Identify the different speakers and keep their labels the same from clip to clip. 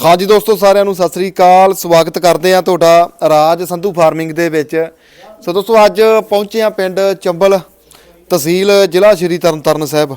Speaker 1: हाँ जी दोस्तों साਰਿਆਂ ਨੂੰ ਸਤਿ ਸ੍ਰੀ ਅਕਾਲ ਸਵਾਗਤ ਕਰਦੇ ਆ ਤੁਹਾਡਾ ਰਾਜ ਸੰਧੂ ਫਾਰਮਿੰਗ ਦੇ ਵਿੱਚ। ਸੋ ਦੋਸਤੋ ਅੱਜ ਪਹੁੰਚੇ ਆ ਪਿੰਡ ਚੰਬਲ ਤਹਿਸੀਲ ਜ਼ਿਲ੍ਹਾ ਸ਼੍ਰੀ ਤਰਨਤਾਰਨ ਸਾਹਿਬ।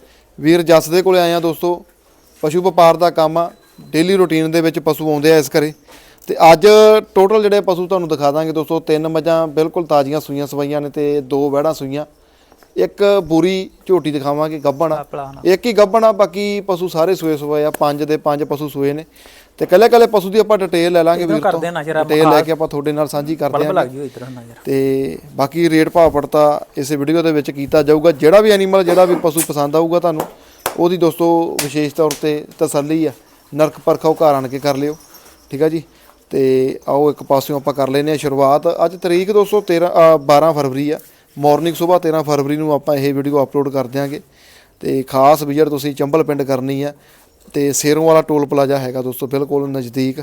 Speaker 1: ਵੀਰ ਜੱਸ ਦੇ ਕੋਲੇ ਆਏ ਆ ਦੋਸਤੋ। ਪਸ਼ੂ ਵਪਾਰ ਦਾ ਕੰਮ ਆ, ਡੇਲੀ ਰੂਟੀਨ ਦੇ ਵਿੱਚ ਪਸ਼ੂ ਆਉਂਦੇ ਆ ਇਸ ਘਰੇ। ਤੇ ਅੱਜ ਟੋਟਲ ਜਿਹੜੇ ਪਸ਼ੂ ਤੁਹਾਨੂੰ ਦਿਖਾ ਦਾਂਗੇ ਦੋਸਤੋ। 3 ਮੱਝਾਂ ਬਿਲਕੁਲ ਤਾਜ਼ੀਆਂ ਸੂਈਆਂ ਸਵਾਈਆਂ ਨੇ ਤੇ 2 ਵਹਿੜਾਂ ਸੂਈਆਂ। ਇੱਕ ਬੂਰੀ ਝੋਟੀ ਦਿਖਾਵਾਂਗੇ ਗੱਭਣ, ਇੱਕ ਹੀ ਗੱਭਣ ਆ, ਬਾਕੀ ਪਸ਼ੂ ਸਾਰੇ ਸੂਏ ਸੂਏ ਆ। 5 ਦੇ 5 ਪਸ਼ੂ ਸੂਏ ਨੇ ਤੇ ਕੱਲੇ ਪਸ਼ੂ ਦੀ ਆਪਾਂ ਡਿਟੇਲ ਲੈ ਲਾਂਗੇ ਵੀਰ ਤੋਂ। ਡਿਟੇਲ ਲੈ ਕੇ ਆਪਾਂ ਤੁਹਾਡੇ ਨਾਲ ਸਾਂਝੀ ਕਰਦੇ ਆਂ ਤੇ ਬਾਕੀ ਰੇਟ ਭਾਅ ਪੜਤਾ ਇਸੇ ਵੀਡੀਓ ਦੇ ਵਿੱਚ ਕੀਤਾ ਜਾਊਗਾ। ਜਿਹੜਾ ਵੀ ਐਨੀਮਲ ਜਿਹੜਾ ਵੀ ਪਸ਼ੂ ਪਸੰਦ ਆਊਗਾ ਤੁਹਾਨੂੰ ਉਹਦੀ ਦੋਸਤੋ ਵਿਸ਼ੇਸ਼ ਤੌਰ ਤੇ ਤਸੱਲੀ ਆ, ਨਰਕ ਪਰਖਾਓ ਘਰ ਆਣ ਕੇ ਕਰ ਲਿਓ, ਠੀਕ ਆ ਜੀ। ਤੇ ਆਓ ਇੱਕ ਪਾਸਿਓਂ ਆਪਾਂ ਕਰ ਲੈਨੇ ਆ ਸ਼ੁਰੂਆਤ। ਅੱਜ ਤਰੀਕ ਦੋਸਤੋ 12 ਫਰਵਰੀ ਆ। ਮਾਰਨਿੰਗ ਸੁਬਾਹ 13 ਫਰਵਰੀ ਨੂੰ ਆਪਾਂ ਇਹ ਵੀਡੀਓ ਅਪਲੋਡ ਕਰ ਦਿਆਂਗੇ। ਤੇ ਖਾਸ ਵਿਜ਼ਿਟ ਤੁਸੀਂ ਚੰਬਲ ਪਿੰਡ ਕਰਨੀ ਆ ਤੇ ਸੇਰੋਂ ਵਾਲਾ ਟੋਲ ਪਲਾਜ਼ਾ ਹੈਗਾ ਦੋਸਤੋ ਬਿਲਕੁਲ ਨਜ਼ਦੀਕ।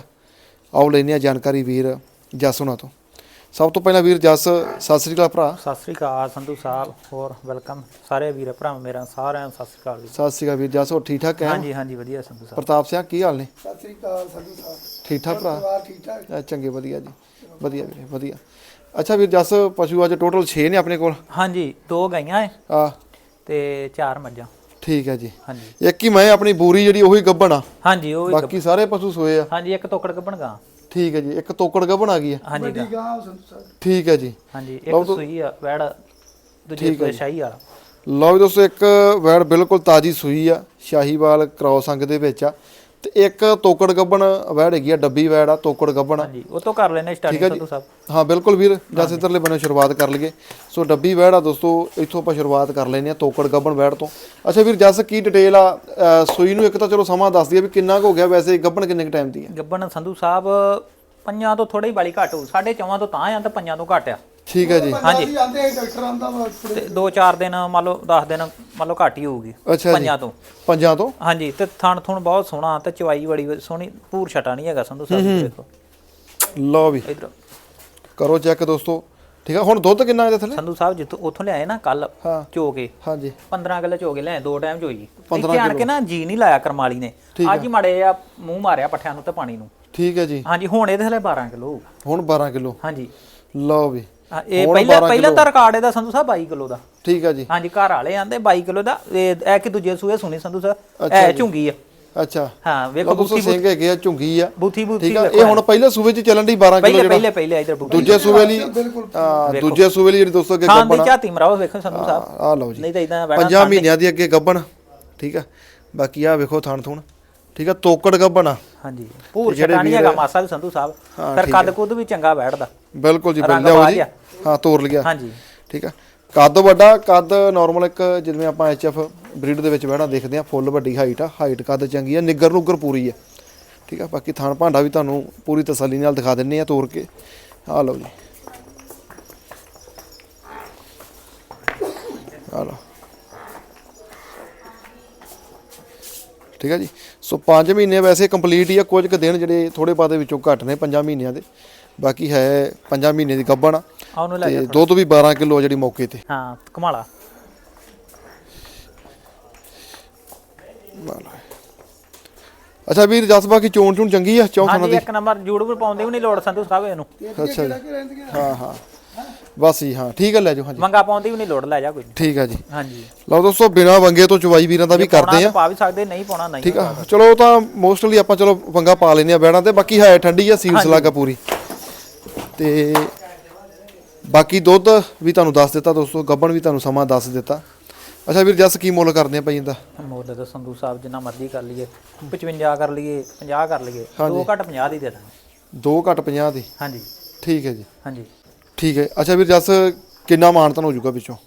Speaker 1: ਆਓ ਲੈਨੇ ਆ ਜਾਣਕਾਰੀ ਵੀਰ ਜੱਸ ਹੁਣਾਂ ਤੋਂ। ਸਭ ਤੋਂ ਪਹਿਲਾਂ ਵੀਰ ਜੱਸ ਸਤਿ ਸ੍ਰੀ ਅਕਾਲ ਭਰਾ।
Speaker 2: ਸਤਿ ਸ੍ਰੀ ਅਕਾਲ ਸੰਧੂ ਸਾਹਿਬ, ਹੋਰ ਵੈਲਕਮ ਸਾਰੇ ਵੀਰ ਭਰਾ ਮੇਰਾ ਸਾਰਿਆਂ ਨੂੰ ਸਤਿ ਸ੍ਰੀ ਅਕਾਲ।
Speaker 1: ਸਤਿ ਸ੍ਰੀ ਅਕਾਲ ਵੀਰ ਜੱਸ, ਹੋਰ ਠੀਕ ਠਾਕ ਹੈ?
Speaker 2: ਹਾਂਜੀ ਹਾਂਜੀ ਵਧੀਆ ਸੰਧੂ ਸਾਹਿਬ।
Speaker 1: ਪ੍ਰਤਾਪ ਸਿੰਘ ਕੀ ਹਾਲ ਨੇ?
Speaker 3: ਸਤਿ ਸ੍ਰੀ ਅਕਾਲ ਸੰਧੂ ਸਾਹਿਬ,
Speaker 1: ਠੀਕ ਠਾਕ ਭਰਾ?
Speaker 3: ਠੀਕ ਠਾਕ
Speaker 1: ਚੰਗੇ ਵਧੀਆ ਜੀ, ਵਧੀਆ ਵੀਰੇ ਵਧੀਆ। ਅੱਛਾ ਵੀਰ ਜੱਸ ਪਸ਼ੂ ਅੱਜ ਟੋਟਲ 6 ਨੇ ਆਪਣੇ ਕੋਲ?
Speaker 2: ਹਾਂਜੀ 2 ਗਾਈਆਂ ਹੈ
Speaker 1: ਆ
Speaker 2: ਤੇ 4 ਮੱਝਾਂ।
Speaker 1: ਠੀਕ ਹੈ ਜੀ।
Speaker 2: ਹਾਂਜੀ
Speaker 1: ਇੱਕ ਹੀ ਮੈਂ ਆਪਣੀ ਬੂਰੀ ਜਿਹੜੀ ਉਹੀ ਗੱਭਣ ਆ,
Speaker 2: ਹਾਂਜੀ ਉਹ
Speaker 1: ਬਾਕੀ ਸਾਰੇ ਪਸ਼ੂ ਸੋਏ ਆ।
Speaker 2: ਹਾਂਜੀ ਇੱਕ ਤੋਕੜ ਗੱਭਣ ਗਾਂ।
Speaker 1: ਠੀਕ ਹੈ ਜੀ, ਇੱਕ ਤੋਕੜ ਗੱਭਣ ਆ ਗਈ ਹੈ।
Speaker 2: ਹਾਂਜੀ
Speaker 3: ਠੀਕ ਆ ਸੰਧੂ ਸਾਹਿਬ।
Speaker 1: ਠੀਕ ਹੈ ਜੀ।
Speaker 2: ਹਾਂਜੀ ਇੱਕ ਸੂਈ ਆ ਵੈੜ, ਦੂਜੀ ਸੂਈ ਸ਼ਾਹੀ ਵਾਲਾ।
Speaker 1: ਲਓ ਵੀ ਦੋਸਤੋ ਇੱਕ ਵੈੜ ਬਿਲਕੁਲ ਤਾਜ਼ੀ ਸੂਈ ਆ, ਸ਼ਾਹੀਵਾਲ ਕ੍ਰੋਸ ਅੰਗ ਦੇ ਵਿੱਚ ਆ। ਤੇ ਇੱਕ ਤੋਕੜ ਗੱਭਣ ਵੈੜ ਹੈਗੀ ਆ, ਡੱਬੀ ਵੈੜ ਆ, ਤੋਕੜ ਗੱਭਣ।
Speaker 2: ਹਾਂਜੀ ਉਹ ਤੋਂ ਕਰ ਲੈਨੇ ਸਟਾਰਟਿੰਗ ਸੰਧੂ ਸਾਹਿਬ।
Speaker 1: ਹਾਂ ਬਿਲਕੁਲ ਵੀਰ, ਜਸ ਇੱਧਰਲੇ ਬੰਨੇ ਸ਼ੁਰੂਆਤ ਕਰ ਲਈਏ। ਸੋ ਡੱਬੀ ਵੈੜ ਆ ਦੋਸਤੋ, ਇੱਥੋਂ ਆਪਾਂ ਸ਼ੁਰੂਆਤ ਕਰ ਲੈਨੇ ਆ ਤੋਕੜ ਗੱਭਣ ਵੈੜ ਤੋਂ। ਅੱਛਾ ਵੀਰ ਜਸ ਕੀ ਡਿਟੇਲ ਆ ਸੂਈ ਨੂੰ? ਇੱਕ ਤਾਂ ਚਲੋ ਸਮਾਂ ਦੱਸ ਦਈਏ ਵੀ ਕਿੰਨਾ ਕੁ ਹੋ ਗਿਆ, ਵੈਸੇ ਗੱਭਣ ਕਿੰਨੇ ਕੁ ਟਾਈਮ ਦੀ ਹੈ?
Speaker 2: ਗੱਭਣ ਸੰਧੂ ਸਾਹਿਬ 5 ਤੋਂ ਥੋੜੀ ਵਾਲੀ ਘੱਟ ਹੋ, 4.5 ਤੋਂ ਤਾਂ ਆ ਤੇ 5 ਤੋਂ ਘੱਟ ਆ।
Speaker 1: ਠੀਕ ਹੈ ਜੀ।
Speaker 3: ਹਾਂਜੀ ਆਂਦੇ ਡਾਕਟਰ ਆਂਦਾ ਵਾ
Speaker 2: ਤੇ 2-4 ਦਿਨ ਮੰਨ ਲਓ 10 ਦਿਨ ਮੰਨ ਲਓ ਘੱਟ ਹੀ ਹੋਊਗੀ।
Speaker 1: ਅੱਛਾ ਜੀ, 5 ਤੋਂ।
Speaker 2: ਹਾਂਜੀ ਤੇ ਥਣ ਥੁਣ ਬਹੁਤ ਸੋਹਣਾ ਤੇ ਚਵਾਈ ਬੜੀ ਸੋਹਣੀ, ਪੂਰ ਛਟਾ ਨਹੀਂ ਹੈਗਾ ਸੰਧੂ ਸਾਹਿਬ। ਦੇਖੋ
Speaker 1: ਲਓ ਵੀ
Speaker 2: ਇਧਰ
Speaker 1: ਕਰੋ ਚੈੱਕ ਦੋਸਤੋ, ਠੀਕ ਆ। ਹੁਣ ਦੁੱਧ ਕਿੰਨਾ ਇਹਦੇ ਥੱਲੇ?
Speaker 2: ਸੰਧੂ ਸਾਹਿਬ ਜਿੱਥੋਂ ਉੱਥੋਂ ਲਿਆਏ ਨਾ ਕੱਲ
Speaker 1: ਹਾਂ
Speaker 2: ਚੋ ਕੇ,
Speaker 1: ਹਾਂਜੀ
Speaker 2: 15 ਕਿਲੋ ਚੋ ਕੇ ਲਿਆਏ, 2 ਟਾਈਮ ਚੋਈ।
Speaker 1: 15
Speaker 2: ਇੱਥੇ ਆਣ ਕੇ ਨਾ ਜੀ ਨਹੀਂ ਲਾਇਆ ਕਰਮਾਲੀ ਨੇ, ਅੱਜ ਹੀ ਮਾੜੇ ਆ ਮੂੰਹ ਮਾਰਿਆ ਪੱਠਿਆਂ ਨੂੰ ਤੇ ਪਾਣੀ ਨੂੰ।
Speaker 1: ਠੀਕ ਹੈ ਜੀ।
Speaker 2: ਹਾਂਜੀ ਹੁਣ ਇਹਦੇ ਥੱਲੇ 12 ਕਿਲੋ ਹੋਊਗਾ।
Speaker 1: ਹੁਣ 12 ਕਿਲੋ।
Speaker 2: ਹਾਂਜੀ
Speaker 1: ਲਓ ਵੀ
Speaker 2: ਇਹ ਪਹਿਲਾਂ ਤਾਂ ਰਿਕਾਰਡ ਇਹਦਾ ਸੰਧੂ ਸਾਹਿਬ 22 ਕਿਲੋ ਦਾ।
Speaker 1: ਠੀਕ ਹੈ ਜੀ।
Speaker 2: ਹਾਂਜੀ ਘਰ ਵਾਲੇ ਆਂਦੇ 22 ਕਿਲੋ ਦਾ। ਇਹ ਕਿ ਦੂਜੇ ਸੂਏ ਸੁਣੀ ਸੰਧੂ ਸਾਹਿਬ, ਇਹ ਝੁੰਗੀ ਆ।
Speaker 1: ਅੱਛਾ
Speaker 2: ਹਾਂ ਵੇਖੋ
Speaker 1: ਬੂਥੀ ਸਿੰਘ ਹੈਗੇ ਆ, ਝੁੰਗੀ ਆ,
Speaker 2: ਬੂਥੀ
Speaker 1: ਠੀਕ ਆ। ਇਹ ਹੁਣ ਪਹਿਲੇ ਸੂਬੇ 'ਚ ਚੱਲਣ ਦੀ 12 ਕਿਲੋ ਜਿਹੜਾ
Speaker 2: ਪਹਿਲੇ ਇਧਰ
Speaker 1: ਦੂਜੇ ਸੂਬੇ ਲਈ, ਦੂਜੇ ਸੂਬੇ ਲਈ ਜਿਹੜੀ ਦੋਸਤੋ ਅੱਗੇ
Speaker 2: ਗੱਬਣ ਦੀ ਝਾਤੀ ਮਰਾਓ ਵੇਖੋ ਸੰਧੂ ਸਾਹਿਬ।
Speaker 1: ਆ ਲਓ ਜੀ,
Speaker 2: ਨਹੀਂ ਤਾਂ ਇਦਾਂ
Speaker 1: 5 ਮਹੀਨਿਆਂ ਦੀ ਅੱਗੇ ਗੱਬਣ, ਠੀਕ ਆ। ਬਾਕੀ ਆ ਵੇਖੋ ਥਣ ਥੁਣ, ਠੀਕ ਆ, ਤੋਕੜ ਗੱਬਣ ਆ।
Speaker 2: ਹਾਂਜੀ ਪੂਰ ਛਟਾ ਨਹੀਂ ਹੈਗਾ ਮਾਸਾ ਵੀ ਸੰਧੂ ਸਾਹਿਬ। ਫਿਰ ਕੱਦ ਕੁੱਦ ਵੀ ਚੰਗਾ ਬੈਠਦਾ।
Speaker 1: ਬਿਲਕੁਲ ਜੀ, ਲਿਆਓ ਜੀ। ਹਾਂ ਤੋਰ ਲਿਆ।
Speaker 2: ਹਾਂਜੀ
Speaker 1: ਠੀਕ ਆ। ਕੱਦ ਵੱਡਾ, ਕੱਦ ਨਾਰਮਲ ਇੱਕ ਜਿਵੇਂ ਆਪਾਂ HF ਬਰੀਡ ਦੇ ਵਿੱਚ ਬਹਿਣਾ ਦੇਖਦੇ ਆ, ਫੁੱਲ ਵੱਡੀ ਹਾਈਟ ਆ, ਹਾਈਟ ਕੱਦ ਚੰਗੀ ਆ, ਨਿੱਗਰ ਨੂਗਰ ਪੂਰੀ ਆ, ਠੀਕ ਆ। ਬਾਕੀ ਥਣ ਭਾਂਡਾ ਵੀ ਤੁਹਾਨੂੰ ਪੂਰੀ ਤਸੱਲੀ ਨਾਲ ਦਿਖਾ ਦਿੰਨੇ ਆ ਤੋਰ ਕੇ। ਆ ਲਓ ਜੀ, ਆ ਲਓ, ਠੀਕ ਆ ਜੀ। ਸੋ 5 ਮਹੀਨੇ ਵੈਸੇ ਕੰਪਲੀਟ ਹੀ ਆ, ਕੁਝ ਕੁ ਦਿਨ ਜਿਹੜੇ ਥੋੜੇ ਬਾਅਦ ਵਿੱਚੋਂ ਘੱਟ ਨੇ 5 ਮਹੀਨਿਆਂ ਦੇ, ਬਾਕੀ ਹੈ 5 ਮਹੀਨੇ ਦੀ ਗੱਭਣ ਆ। ਤੇ ਦੁੱਧ ਵੀ 12 ਕਿਲੋ ਜਿਹੜੀ ਮੌਕੇ ਤੇ।
Speaker 2: ਹਾਂ ਕਮਾਲਾ।
Speaker 1: ਅੱਛਾ ਵੀਰ ਜਸ ਬਾਕੀ ਚੋਣ ਚੂਣ ਚੰਗੀ ਆ? ਚੌਂ
Speaker 2: ਹਾਂਜੀ ਇੱਕ ਨੰਬਰ, ਜੂੜ ਵੀ ਪਾਉਂਦੇ ਵੀ ਨਹੀਂ ਲੋੜ ਸੰਧੂ ਸਾਹਿਬ ਇਹਨੂੰ।
Speaker 1: ਅੱਛਾ ਜੀ, ਹਾਂ ਹਾਂ ਬਸ ਜੀ, ਹਾਂ ਠੀਕ ਹੈ, ਲੈ ਜਾਓ। ਹਾਂਜੀ
Speaker 2: ਮੰਗਾ ਪਾਉਂਦੀ ਵੀ ਨਹੀਂ ਲੋੜ, ਲੈ ਜਾ ਕੋਈ।
Speaker 1: ਠੀਕ ਆ ਜੀ।
Speaker 2: ਹਾਂਜੀ
Speaker 1: ਲਓ ਦੋਸਤੋ ਬਿਨਾ ਵੰਗੇ ਤੋਂ ਚਵਾਈ ਵੀਰਾਂ ਦਾ ਵੀ ਕਰਦੇ ਆ,
Speaker 2: ਪਾ ਵੀ ਸਕਦੇ, ਨਹੀਂ ਪਾਉਣਾ ਨਹੀਂ,
Speaker 1: ਠੀਕ ਆ। ਚਲੋ ਤਾਂ ਮੋਸਟਲੀ ਆਪਾਂ ਚਲੋ ਵੰਗਾ ਪਾ ਲੈਨੇ ਆ ਬੈੜਾਂ ਤੇ। ਬਾਕੀ ਹੈ ਠੰਡੀ ਆ, ਸੀਲਸ ਲੱਗਾ ਪੂਰੀ। ਤੇ ਬਾਕੀ ਦੁੱਧ ਵੀ ਤੁਹਾਨੂੰ ਦੱਸ ਦਿੱਤਾ ਦੋਸਤੋ, ਗੱਬਣ ਵੀ ਤੁਹਾਨੂੰ ਸਮਾਂ ਦੱਸ ਦਿੱਤਾ। ਅੱਛਾ ਵੀਰ ਜਸ ਕੀ ਮੁੱਲ ਕਰਦੇ ਆ ਭਾਈ ਇਹਦਾ?
Speaker 2: ਮੁੱਲ ਤਾਂ ਸੰਧੂ ਸਾਹਿਬ ਜਿੰਨਾ ਮਰਜ਼ੀ ਕਰ ਲਈਏ, 55 ਕਰ ਲਈਏ, 50 ਕਰ ਲਈਏ, 2 ਘੱਟ 50 ਦੀ ਦੇ ਦਾਂਗੇ।
Speaker 1: 2 ਘੱਟ 50 ਦੀ?
Speaker 2: ਹਾਂਜੀ
Speaker 1: ਠੀਕ ਹੈ ਜੀ।
Speaker 2: ਹਾਂਜੀ
Speaker 1: ਠੀਕ ਹੈ। ਅੱਛਾ ਵੀਰ ਜਸ ਕਿੰਨਾ ਮਾਨਤਨ ਹੋ ਜਾਊਗਾ ਵਿੱਚੋਂ?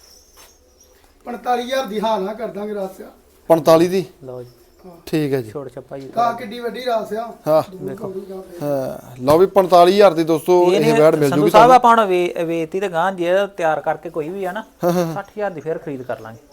Speaker 3: 45000 ਦੀ ਹਾਂ ਨਾ ਕਰ ਦਾਂਗੇ ਰਾਸਿਆ।
Speaker 1: 45 ਦੀ?
Speaker 2: ਲਓ ਜੀ
Speaker 1: ਠੀਕ ਹੈ ਜੀ।
Speaker 2: ਛੋੜ ਛੱਪਾ ਜੀ
Speaker 3: ਕਾ ਕਿੱਡੀ ਵੱਡੀ ਰਾਸਿਆ।
Speaker 1: ਹਾਂ
Speaker 2: ਵੇਖੋ
Speaker 1: ਹਾਂ ਲਓ ਵੀ 45000 ਦੀ ਦੋਸਤੋ ਇਹ ਵੈੜ ਮਿਲ ਜੂਗੀ
Speaker 2: ਸੰਧੂ ਸਾਹਿਬ। ਆਪਾਂ ਹੁਣ ਵੇਚਤੀ ਤੇ ਗਾਂ ਜੇ ਤਿਆਰ ਕਰਕੇ ਕੋਈ ਵੀ ਆ ਨਾ 60000 ਦੀ ਫੇਰ ਖਰੀਦ ਕਰ ਲਾਂਗੇ।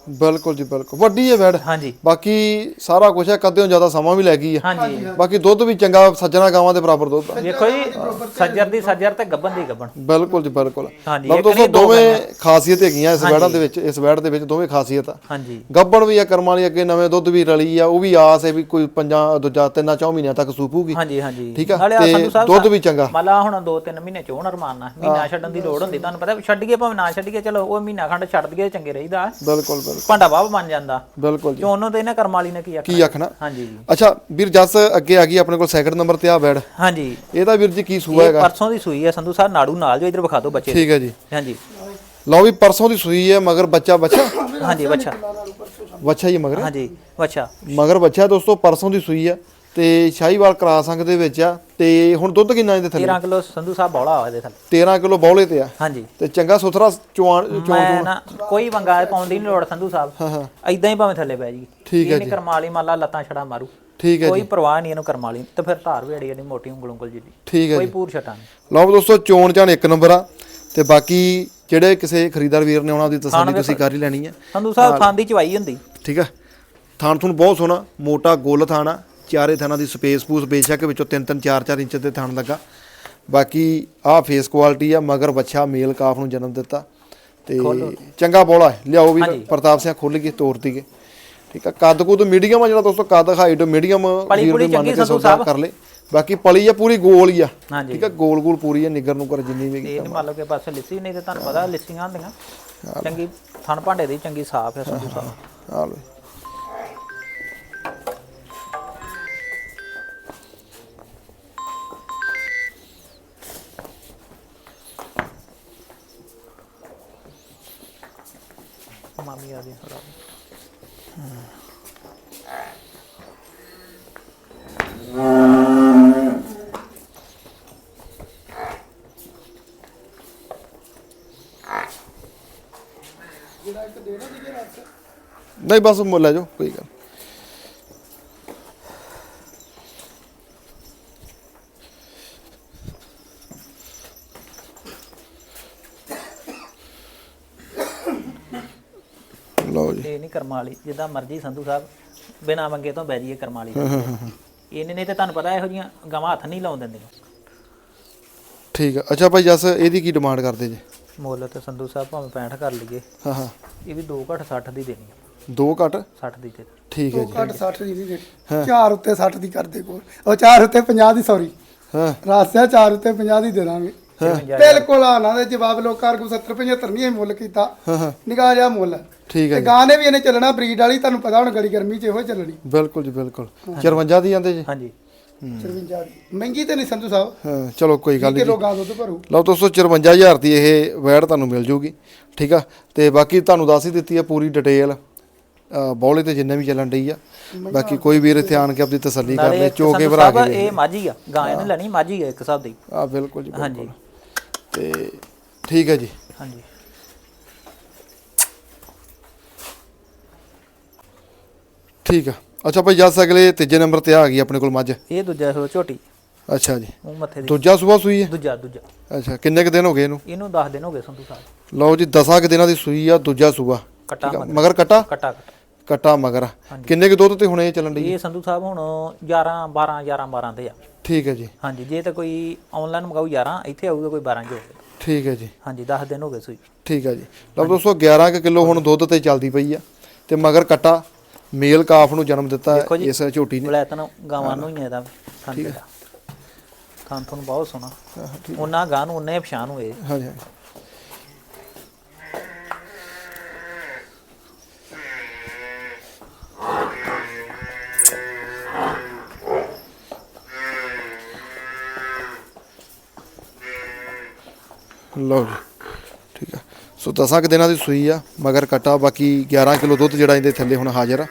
Speaker 1: ਬਿਲਕੁਲ ਜੀ ਬਿਲਕੁਲ ਵੱਡੀ ਹੈ ਵੈੜ
Speaker 2: ਹਾਂਜੀ
Speaker 1: ਬਾਕੀ ਸਾਰਾ ਕੁਝ ਹੈ ਕਦੇ ਜ਼ਿਆਦਾ ਸਮਾਂ ਵੀ ਲੈ ਗਈ ਹੈ
Speaker 2: ਹਾਂਜੀ
Speaker 1: ਬਾਕੀ ਦੁੱਧ ਵੀ ਚੰਗਾ ਸੱਜਣਾ ਗਾਵਾਂ ਦੇ ਬਰਾਬਰ ਦੁੱਧ ਆ
Speaker 2: ਵੇਖੋ ਜੀ ਸੱਜਰ ਤੇ ਗੱਬਨ ਦੀ ਗੱਬਨ
Speaker 1: ਬਿਲਕੁਲ ਜੀ ਬਿਲਕੁਲ
Speaker 2: ਹਾਂਜੀ,
Speaker 1: ਲਓ
Speaker 2: ਇੱਕ
Speaker 1: ਦੋਸਤੋ
Speaker 2: ਨਹੀਂ, ਦੋ
Speaker 1: ਦੋਵੇਂ
Speaker 2: ਗਾਈਆਂ।
Speaker 1: ਖਾਸੀਅਤ ਹੈਗੀਆਂ ਇਸ ਵੈੜਾਂ ਦੇ ਵਿੱਚ ਇਸ ਵੈੜ ਦੇ ਵਿੱਚ ਦੋਵੇਂ ਖਾਸੀਅਤ ਆ
Speaker 2: ਹਾਂਜੀ
Speaker 1: ਗੱਬਣ ਵੀ ਆ ਕਰਮਾਂ ਵਾਲੀ ਅੱਗੇ ਨਵੇਂ ਦੁੱਧ ਵੀ ਰਲੀ ਆ ਉਹ ਵੀ ਆਸ ਹੈ ਵੀ ਕੋਈ 3-4 ਮਹੀਨਿਆਂ ਤੱਕ ਸੂਪੂਗੀ
Speaker 2: ਹਾਂਜੀ ਹਾਂਜੀ
Speaker 1: ਠੀਕ ਆ
Speaker 2: ਨਾਲੇ ਆ
Speaker 1: ਤੇ
Speaker 2: ਸੰਧੂ ਸਾਹਿਬ
Speaker 1: ਦੁੱਧ ਵੀ ਚੰਗਾ
Speaker 2: ਮਲਾ ਹੁਣ 2-3 ਮਹੀਨੇ ਚੋਂ ਰਮਾਨਾ ਮਹੀਨਾ ਛੱਡਣ ਦੀ ਲੋੜ ਹੁੰਦੀ ਤੁਹਾਨੂੰ ਪਤਾ ਛੱਡੀਏ ਭਾਵੇਂ ਨਾ ਛੱਡੀਏ ਚਲੋ ਉਹ ਮਹੀਨਾ ਖੰਡ ਛੱਡ ਦਈਏ ਚੰਗੇ ਰਹੀਦਾ
Speaker 1: ਬਿਲਕੁਲ ਬਿਲਕੁਲ
Speaker 2: ਭਾਂਡਾ ਬਾਬ ਬਣ ਜਾਂਦਾ
Speaker 1: ਬਿਲਕੁਲ ਜੀ
Speaker 2: ਚੋਨੋਂ ਤੇ ਇਹਨਾਂ ਕਰਮ ਵਾਲੀ ਨੇ ਕੀ ਆਖਣਾ
Speaker 1: ਕੀ ਆਖਣਾ
Speaker 2: ਹਾਂਜੀ
Speaker 1: ਅੱਛਾ ਵੀਰ ਜੱਸ ਅੱਗੇ ਆ ਗਈ ਆਪਣੇ ਕੋਲ ਸੈਕਿੰਡ ਨੰਬਰ ਤੇ ਆ ਵੈੜ
Speaker 2: ਹਾਂਜੀ
Speaker 1: ਇਹਦਾ ਵੀਰ ਜੀ ਕੀ ਸੂਆ
Speaker 2: ਇਹ
Speaker 1: ਹੈਗਾ
Speaker 2: ਪਰਸੋਂ ਦੀ ਸੂਈ ਹੈ ਸੰਧੂ ਸਾਹਿਬ ਨਾੜੂ ਨਾਲ ਜੋ ਇਧਰ ਵਿਖਾ ਦਿਓ ਬੱਚੇ
Speaker 1: ਠੀਕ ਹੈ ਜੀ
Speaker 2: ਹਾਂਜੀ
Speaker 1: ਲਓ ਵੀ ਪਰਸੋਂ ਦੀ ਸੂਈ ਹੈ ਮਗਰ ਬੱਚਾ
Speaker 2: ਹਾਂਜੀ ਬੱਚਾ
Speaker 1: ਬੱਚਾ ਹੀ ਮਗਰ
Speaker 2: ਹਾਂਜੀ ਬੱਚਾ
Speaker 1: ਮਗਰ ਬੱਚਾ ਦੋਸਤੋ ਪਰਸੋਂ ਦੀ ਸੂਈ ਆ ਤੇ ਸ਼ਾਹੀਵਾਲ ਕਰਾ ਸੰਗ ਦੇ ਵਿੱਚ ਆ ਤੇ ਹੁਣ ਦੁੱਧ ਕਿੰਨਾ ਇਹਦੇ ਥੱਲੇ
Speaker 2: 13 ਕਿਲੋ ਸੰਧੂ ਸਾਹਿਬ ਬੌਲਾ ਹੋਇਆ ਇਹਦੇ ਥੱਲੇ
Speaker 1: 13 ਕਿਲੋ ਬੌਲੇ ਤੇ ਆ
Speaker 2: ਹਾਂਜੀ
Speaker 1: ਤੇ ਚੰਗਾ ਸੁਥਰਾ ਚੋਣ
Speaker 2: ਮੈਂ ਨਾ ਕੋਈ ਵੰਗਾ ਪਾਉਣ ਦੀ ਨਹੀਂ ਲੋੜ ਸੰਧੂ ਸਾਹਿਬ
Speaker 1: ਹਾਂ ਹਾਂ
Speaker 2: ਐਦਾਂ ਹੀ ਭਾਵੇਂ ਥੱਲੇ ਪੈ ਜੀ
Speaker 1: ਠੀਕ ਹੈ
Speaker 2: ਇਹ ਨਹੀਂ ਕਰਮਾਲੀ ਮਾਲਾ ਲੱਤਾਂ ਛੜਾ ਮਾਰੂ
Speaker 1: ਠੀਕ ਹੈ
Speaker 2: ਕੋਈ
Speaker 1: ਜੀ
Speaker 2: ਪਰਵਾਹ ਨਹੀਂ ਇਹਨੂੰ ਕਰਮਾਲੀ ਤੇ ਫਿਰ ਧਾਰ ਵੀ ਅੜੀ ਮੋਟੀ ਉਂਗਲ ਉਂਗਲ ਜਿੱਡੀ
Speaker 1: ਠੀਕ ਹੈ
Speaker 2: ਕੋਈ
Speaker 1: ਜੀ
Speaker 2: ਪੂਰ ਛਟਾ ਨਹੀਂ
Speaker 1: ਲਓ ਦੋਸਤੋ ਚੋਣ ਚਾਣ ਇੱਕ ਨੰਬਰ ਆ ਤੇ ਬਾਕੀ ਜਿਹੜੇ ਕਿਸੇ ਖਰੀਦਦਾਰ ਵੀਰ ਨੇ ਆਉਣਾ ਉਹਦੀ ਤਸੱਲੀ ਤੁਸੀਂ ਕਰ ਹੀ ਲੈਣੀ ਹੈ
Speaker 2: ਸੰਧੂ ਸਾਹਿਬ ਥਾਂ ਦੀ ਚਵਾਈ ਹੁੰਦੀ
Speaker 1: ਠੀਕ ਆ ਥਾਣ ਤੁਹਾਨੂੰ ਬਹੁਤ ਸੋਹਣਾ ਮੋਟਾ ਗੋਲ ਥਾਣਾ ਚਾਰੇ ਥਾਣਾ ਦੀ ਸਪੇਸ ਪੂਸ ਬੇਸ਼ੱਕ ਵਿੱਚੋਂ 3-3 4-4 ਇੰਚ ਦੇ ਥਾਣ ਲੱਗਾ ਬਾਕੀ ਆਹ ਫੇਸ ਕੁਆਲਿਟੀ ਆ ਮਗਰ ਬੱਚਾ ਮੇਲ ਕਾਫ ਨੂੰ ਜਨਮ ਦਿੱਤਾ ਤੇ ਚੰਗਾ ਬੋਲਾ ਲਿਆਓ ਵੀ ਪ੍ਰਤਾਪ ਸਿੰਘ ਖੁੱਲ ਕੇ ਤੋੜ ਦੀਏ ਠੀਕ ਆ ਕੱਦ ਕੁਦ ਮੀਡੀਅਮ ਆ ਜਿਹੜਾ ਦੋਸਤੋ ਕੱਦ ਹਾਈਟ ਮੀਡੀਅਮ ਵੀਰ ਦੇ ਮੰਨ ਕੇ ਸੌਦਾ ਕਰ ਲੈ ਬਾਕੀ ਪਲੀ ਆ ਪੂਰੀ ਗੋਲ ਹੀ ਆ ਠੀਕ ਆ ਗੋਲ ਗੋਲ ਪੂਰੀ ਆ ਨਿੱਗਰ ਨੂੰ ਕਰ ਜਿੰਨੀ ਵੀ
Speaker 2: ਇਹ ਮੰਨ ਲਓ ਕਿ ਬਸ ਲਿੱਸੀ ਨਹੀਂ ਤੇ ਤੁਹਾਨੂੰ ਪਤਾ ਲਿੱਸੀਆਂ ਹੁੰਦੀਆਂ ਚੰਗੀ ਥਣ ਭਾਂਡੇ ਦੀ ਚੰਗੀ ਸਾਫ਼ ਹੈ ਸੰਧੂ ਸਾਹਿਬ
Speaker 1: ਆ ਲੋ
Speaker 2: ਮਾਮੀ ਆ ਗਈ ਥੋੜਾ
Speaker 1: ਨਹੀਂ ਬਸ ਮੁੱਲ ਲੈ ਜਾਓ ਕੋਈ ਗੱਲ ਲਓ ਜੀ
Speaker 2: ਇਹ ਨਹੀਂ ਕਰਮਾਂ ਵਾਲੀ ਜਿੱਦਾਂ ਮਰਜ਼ੀ ਸੰਧੂ ਸਾਹਿਬ ਬਿਨਾ ਮੰਗੇ ਤੋਂ ਬਹਿ ਜੀਏ ਕਰਮਾਂ ਵਾਲੀ ਇਹਨੇ ਨਹੀਂ ਤੇ ਤੁਹਾਨੂੰ ਪਤਾ ਇਹੋ ਜੀਆਂ ਗਾਵਾਂ ਹੱਥ ਨਹੀਂ ਲਾਉਣ ਦਿੰਦੇ
Speaker 1: ਠੀਕ ਆ ਅੱਛਾ ਭਾਈ ਜੱਸ ਇਹਦੀ ਕੀ ਡਿਮਾਂਡ ਕਰਦੇ ਜੀ
Speaker 2: ਮੁੱਲ ਤੇ ਸੰਧੂ ਸਾਹਿਬ ਭਾਵੇਂ 65 ਕਰ ਲਈਏ
Speaker 1: ਹਾਂ ਹਾਂ
Speaker 2: ਇਹ ਵੀ 2 ਘੱਟ 60 ਦੀ ਦੇਣੀ ਹੈ
Speaker 1: 2 ਘੱਟ
Speaker 2: 60 ਦੀ ਦੇ
Speaker 1: ਠੀਕ ਹੈ ਜੀ
Speaker 3: ਘੱਟ 60 ਦੀ ਨਹੀਂ ਦੇਣੀ 4 ਉੱਤੇ 60 ਦੀ ਕਰਦੇ ਕੋਲ ਉਹ 4 ਉੱਤੇ 50 ਦੀ ਸੌਰੀ
Speaker 1: ਹਾਂ
Speaker 3: ਰਾਸਿਆ 4 ਉੱਤੇ 50 ਦੀ ਦੇ ਦਾਂਗੇ ਬਿਲਕੁਲ ਆਣਾ ਦੇ ਜਵਾਬ ਲੋਕਾਂ ਕੋ 70 75 ਨਹੀਂ ਇਹ ਮੁੱਲ ਕੀਤਾ
Speaker 1: ਹਾਂ
Speaker 3: ਨਿਗਾਹ ਜਿਹਾ ਮੁੱਲ
Speaker 1: ਠੀਕ ਹੈ
Speaker 3: ਤੇ ਗਾਂ ਨੇ ਵੀ ਇਹਨੇ ਚੱਲਣਾ ਬਰੀਡ ਵਾਲੀ ਤੁਹਾਨੂੰ ਪਤਾ ਹੁਣ ਗਲੀ ਗਰਮੀ 'ਚ ਇਹੋ ਚੱਲਣੀ
Speaker 1: ਬਿਲਕੁਲ ਜੀ ਬਿਲਕੁਲ 54 ਦੀ ਜਾਂਦੇ ਜੀ
Speaker 2: ਹਾਂਜੀ
Speaker 3: 54 ਦੀ ਮਹਿੰਗੀ ਤੇ ਨਹੀਂ ਸੰਧੂ ਸਾਹਿਬ
Speaker 1: ਹਾਂ ਚਲੋ ਕੋਈ ਗੱਲ ਨਹੀਂ
Speaker 3: ਕਿਲੋ ਗਾਂ ਦੁੱਧ ਭਰੂ
Speaker 1: ਲਓ ਦੋਸਤੋ 54000 ਦੀ ਇਹ ਵੈੜ ਤੁਹਾਨੂੰ ਮਿਲ ਜੂਗੀ ਠੀਕ ਆ ਤੇ ਬਾਕੀ ਤੁਹਾਨੂੰ ਦੱਸ ਹੀ ਦਿੱਤੀ ਆ ਪੂਰੀ ਡਿਟੇਲ ਬੌਲੇ ਤੇ ਜਿੰਨੇ ਵੀ ਚੱਲਣ ਡਈ ਆ ਬਾਕੀ ਕੋਈ ਵੀਰ ਇੱਥੇ ਆਣ ਕੇ ਆਪਣੀ ਤਸੱਲੀ ਕਰ ਲੈ ਚੋ ਕੇ ਭਰਾ ਕੇ
Speaker 2: ਇਹ ਮਾਝੀ ਆ ਗਾਂ ਇਹਨੇ ਲੈਣੀ ਮਾਝੀ ਆ ਇੱਕ ਹਿਸਾਬ ਦੀ
Speaker 1: ਆ ਬਿਲਕੁਲ ਜੀ
Speaker 2: ਹਾਂਜੀ
Speaker 1: ਤੇ ਠੀਕ ਹੈ ਜੀ
Speaker 2: ਹਾਂਜੀ
Speaker 1: ਠੀਕ ਆ ਅੱਛਾ ਭਾਈ ਜੱਸ ਅਗਲੇ ਤੀਜੇ ਨੰਬਰ ਤੇ ਆ ਗਈ ਆਪਣੇ ਕੋਲ ਮੱਝ
Speaker 2: ਇਹ ਦੂਜਾ ਸੋ ਝੋਟੀ
Speaker 1: ਅੱਛਾ ਜੀ
Speaker 2: ਉਹ ਮੱਥੇ ਦੀ
Speaker 1: ਦੂਜਾ ਸੂਆ ਸੂਈ ਹੈ
Speaker 2: ਦੂਜਾ
Speaker 1: ਅੱਛਾ ਕਿੰਨੇ ਕੁ ਦਿਨ ਹੋ ਗਏ ਇਹਨੂੰ
Speaker 2: ਇਹਨੂੰ 10 ਦਿਨ ਹੋ ਗਏ ਸੰਧੂ ਸਾਹਿਬ
Speaker 1: ਲਓ ਜੀ 10 ਕੁ ਦਿਨਾਂ ਦੀ ਸੂਈ ਆ ਦੂਜਾ ਸੂਆ
Speaker 2: ਕਟਾ
Speaker 1: ਮਗਰ ਕਟਾ
Speaker 2: ਕਟਾ
Speaker 1: ਕਟਾ ਮਗਰ ਕਿੰਨੇ ਕੁ ਦੁੱਧ ਤੇ ਹੁਣ ਇਹ ਚੱਲਣ ਡਈ
Speaker 2: ਇਹ ਸੰਧੂ ਸਾਹਿਬ ਹੁਣ 11 12 ਤੇ ਆ
Speaker 1: ਠੀਕ ਹੈ ਜੀ
Speaker 2: ਹਾਂਜੀ ਜੇ ਤਾਂ ਕੋਈ ਆਨਲਾਈਨ ਮੰਗਾਊ 11 ਇੱਥੇ ਆਊਗਾ ਕੋਈ 12 ਜੋ
Speaker 1: ਠੀਕ ਹੈ ਜੀ
Speaker 2: ਹਾਂਜੀ 10 ਦਿਨ ਹੋ ਗਏ ਸੂਈ
Speaker 1: ਠੀਕ ਹੈ ਜੀ ਲਓ ਦੋਸਤੋ 11 ਕੁ ਕਿਲੋ ਹੁਣ ਦੁੱਧ ਤੇ ਚੱਲਦੀ ਪਈ ਆ ਤੇ ਮਗਰ ਕਟਾ ਮੇਲ ਕਾਫ ਨੂੰ ਜਨਮ ਦਿੱਤਾ ਇਸ ਝੋਟੀ ਨੇ
Speaker 2: ਬਲੈਤਨ ਗਾਵਾਂ ਨੂੰ ਹੀ ਇਹਦਾ ਠੀਕ ਹੈ ਖਾਣ ਤੁਹਾਨੂੰ ਬਹੁਤ ਸੋਹਣਾ ਉਹਨਾਂ ਗਾਂ ਨੂੰ ਉਹਨੇ ਪਛਾਣ ਹੋਏ
Speaker 1: ਹਾਂਜੀ ਲਓ ਜੀ ਠੀਕ ਆ ਸੋ 10 ਕੁ ਦਿਨਾਂ ਦੀ ਸੂਈ ਆ ਮਗਰ ਕਟਾ ਬਾਕੀ 11 ਕਿਲੋ ਦੁੱਧ ਜਿਹੜਾ ਇਹਦੇ ਥੱਲੇ ਹੁਣ ਹਾਜ਼ਰ ਆ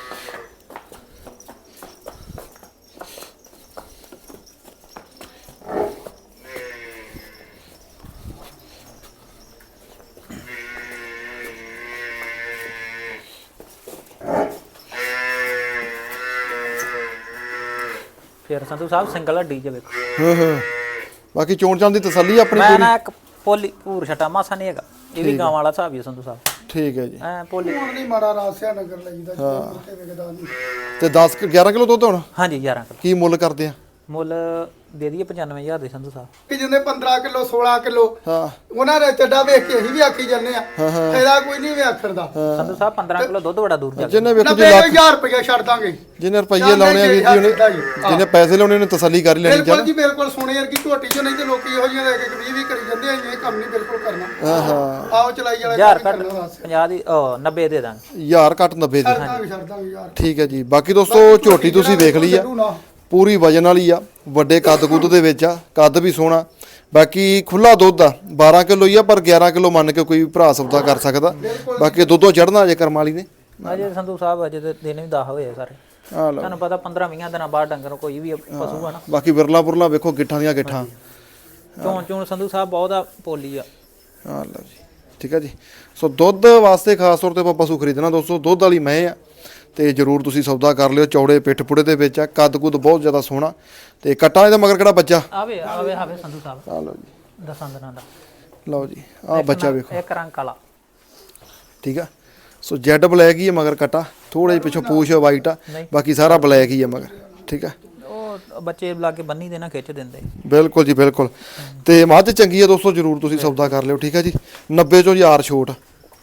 Speaker 2: ਫਿਰ ਸੰਧੂ ਸਾਹਿਬ ਸਿੰਗਲ ਹੱਡੀ ਜੇ ਵੇਖੋ
Speaker 1: ਹਾਂ ਹਾਂ ਬਾਕੀ ਚੋਣ ਚਾਣ ਦੀ ਤਸੱਲੀ ਆਪਣੀ
Speaker 2: ਮੈਂ
Speaker 1: ਪੂਰੀ
Speaker 2: ਨਾ ਇੱਕ ਪੋਲੀ ਪੂਰ ਛਟਾ ਮਾਸਾ ਨਹੀਂ ਹੈਗਾ ਇਹ ਵੀ ਗਾਂ ਵਾਲਾ ਹਿਸਾਬ ਹੀ ਆ ਸੰਧੂ ਸਾਹਿਬ
Speaker 1: ਠੀਕ ਹੈ ਜੀ।
Speaker 2: ਐ ਪੋਲੀ
Speaker 3: ਹੁਣ ਨਹੀਂ ਮਾੜਾ ਰਾਸਿਆ ਨਗਰ ਲਈਦਾ ਜਿੱਥੇ ਮੁਰਕੇ ਵਿਕਦਾ ਨਹੀਂ।
Speaker 1: ਤੇ 11 ਕਿਲੋ ਦੁੱਧ ਹੁਣ
Speaker 2: ਹਾਂਜੀ 11 ਕਿਲੋ
Speaker 1: ਕੀ ਮੁੱਲ ਕਰਦੇ ਆ?
Speaker 2: ਮੁੱਲ ਦੇ ਦਈਏ 95000 ਦੇ ਸੰਧੂ ਸਾਹਿਬ।
Speaker 3: ਕਿ ਜਿੰਨੇ 15 ਕਿਲੋ 16 ਕਿਲੋ
Speaker 1: ਹਾਂ
Speaker 3: ਉਹਨਾਂ ਦੇ ਚੱਡਾ ਵੇਖ ਕੇ ਅਸੀਂ ਵੀ ਆਖੀ ਜਾਂਦੇ ਆ ਇਹਦਾ ਕੋਈ ਨਹੀਂ ਵੀ ਆਖਣ ਦਾ।
Speaker 2: ਸੰਧੂ ਸਾਹਿਬ 15 ਕਿਲੋ ਦੁੱਧ ਬੜਾ ਦੂਰ ਜਾ
Speaker 1: ਜਿੰਨੇ ਵੇਖੋ ਜੀ
Speaker 3: 90000 ਰੁਪਏ ਛੱਡ ਦਾਂਗੇ।
Speaker 1: ਜਿਹਨੇ ਰੁਪਈਏ ਲਾਉਣੇ ਆ ਵੀਰ ਜੀ ਉਹਨੇ ਜਿਹਨੇ ਪੈਸੇ ਲਾਉਣੇ ਉਹਨੇ ਤਸੱਲੀ ਕਰ ਹੀ ਲੈਣੀ
Speaker 3: ਬਿਲਕੁਲ ਜੀ ਬਿਲਕੁਲ ਸੋਨੇ ਵਰਗੀ ਝੋਟੀ ਚੋਂ ਨਹੀਂ ਤੇ ਲੋਕੀ ਇਹੋ ਜਿਹੀਆਂ ਲੈ ਕੇ 20 ਕਰੀ ਜਾਂਦੇ ਆ ਇਹ ਕੰਮ ਨਹੀਂ ਬਿਲਕੁਲ ਕਰਨਾ।
Speaker 1: ਹਾਂ ਹਾਂ
Speaker 3: ਆਓ ਚਲਾਈ ਵਾਲਾ
Speaker 2: 1000 ਘੱਟ 50 ਦੀ 90 ਦੇ ਦਾਂਗੇ।
Speaker 1: 1000 ਘੱਟ 90 ਦੀ।
Speaker 3: ਛੱਡ ਦਾਂਗੇ ਯਾਰ।
Speaker 1: ਠੀਕ ਹੈ ਜੀ। ਬਾਕੀ ਦੋਸਤੋ ਝੋਟੀ ਤੁਸੀਂ ਵੇਖ ਲਈ ਆ, ਪੂਰੀ ਵਜਨ ਵਾਲੀ ਆ, ਵੱਡੇ ਕੱਦ ਕੁੱਦ ਦੇ ਵਿੱਚ ਆ, ਕੱਦ ਵੀ ਸੋਹਣਾ। ਬਾਕੀ ਖੁੱਲਾ ਦੁੱਧ ਆ 12 ਕਿਲੋ ਹੀ ਆ, ਪਰ 11 ਕਿਲੋ ਮੰਨ ਕੇ ਕੋਈ ਭਰਾ ਸੌਦਾ ਕਰ ਸਕਦਾ। ਬਾਕੀ ਦੁੱਧੋਂ ਚੜਨਾ ਅਜੇ ਕਰਮ ਵਾਲੀ ਨੇ।
Speaker 2: ਅਜੇ ਸੰਧੂ ਸਾਹਿਬ ਅਜੇ ਤੇ ਦਿਨ ਵੀ 10 ਹੋਏ ਸਾਰੇ।
Speaker 1: ਆ ਲਓ
Speaker 2: ਤੁਹਾਨੂੰ ਪਤਾ 15-20 ਦਿਨਾਂ ਬਾਅਦ ਡੰਗਰ ਕੋਈ ਵੀ ਪਸ਼ੂ ਆ ਨਾ।
Speaker 1: ਬਾਕੀ ਵਿਰਲਾ ਪੁਰਲਾ ਵੇਖੋ ਗਿੱਠਾਂ ਦੀਆਂ ਗਿੱਠਾਂ।
Speaker 2: ਚੋਣ ਸੰਧੂ ਸਾਹਿਬ ਬਹੁਤ ਆ ਪੋਲੀ ਆ।
Speaker 1: ਆ ਲਓ ਜੀ। ਠੀਕ ਹੈ ਜੀ। ਸੋ ਦੁੱਧ ਵਾਸਤੇ ਖਾਸ ਤੌਰ ਤੇ ਆਪਾਂ ਪਸ਼ੂ ਖਰੀਦਣਾ ਦੋਸਤੋ, ਦੁੱਧ ਵਾਲੀ ਮੈਂ ਆ ਤੇ ਜਰੂਰ ਤੁਸੀਂ ਸੌਦਾ ਕਰ ਲਿਓ। ਚੌੜੇ ਪਿੱਠ ਪੁੜੇ ਦੇ ਵਿੱਚ ਆ, ਕੱਦ ਕੁੱਦ ਬਹੁਤ ਜ਼ਿਆਦਾ ਸੋਹਣਾ ਤੇ ਕੱਟਾ ਇਹਦਾ ਮਗਰ ਕਿਹੜਾ ਬੱਚਾ?
Speaker 2: ਆਵੇ ਸੰਧੂ ਸਾਹਿਬ।
Speaker 1: ਆ ਲਓ ਜੀ।
Speaker 2: ਦਸਾਂ ਦਿਨਾਂ ਦਾ।
Speaker 1: ਲਓ ਜੀ ਆ ਬੱਚਾ ਵੇਖੋ।
Speaker 2: ਇੱਕ ਰੰਗ ਕਾਲਾ।
Speaker 1: ਠੀਕ ਆ। ਸੋ ਜੈਡ ਬਲੈਕ ਹੀ ਹੈ ਮਗਰ ਕੱਟਾ, ਥੋੜੇ ਜਿਹੇ ਪਿੱਛੋਂ ਪੂਛ ਵਾਈਟ ਆ, ਬਾਕੀ ਸਾਰਾ ਬਲੈਕ ਹੀ ਹੈ ਮਗਰ। ਠੀਕ ਆ।
Speaker 2: ਉਹ ਬੱਚੇ ਲਾ ਕੇ ਬੰਨੀ ਦੇ ਨਾ ਖਿੱਚ ਦਿੰਦੇ।
Speaker 1: ਬਿਲਕੁਲ ਜੀ ਬਿਲਕੁਲ। ਤੇ ਮੱਝ ਚੰਗੀ ਆ ਦੋਸਤੋ, ਜਰੂਰ ਤੁਸੀਂ ਸੌਦਾ ਕਰ ਲਿਓ। ਠੀਕ ਆ ਜੀ। 90 ਚੋਂ 1000 ਛੋਟ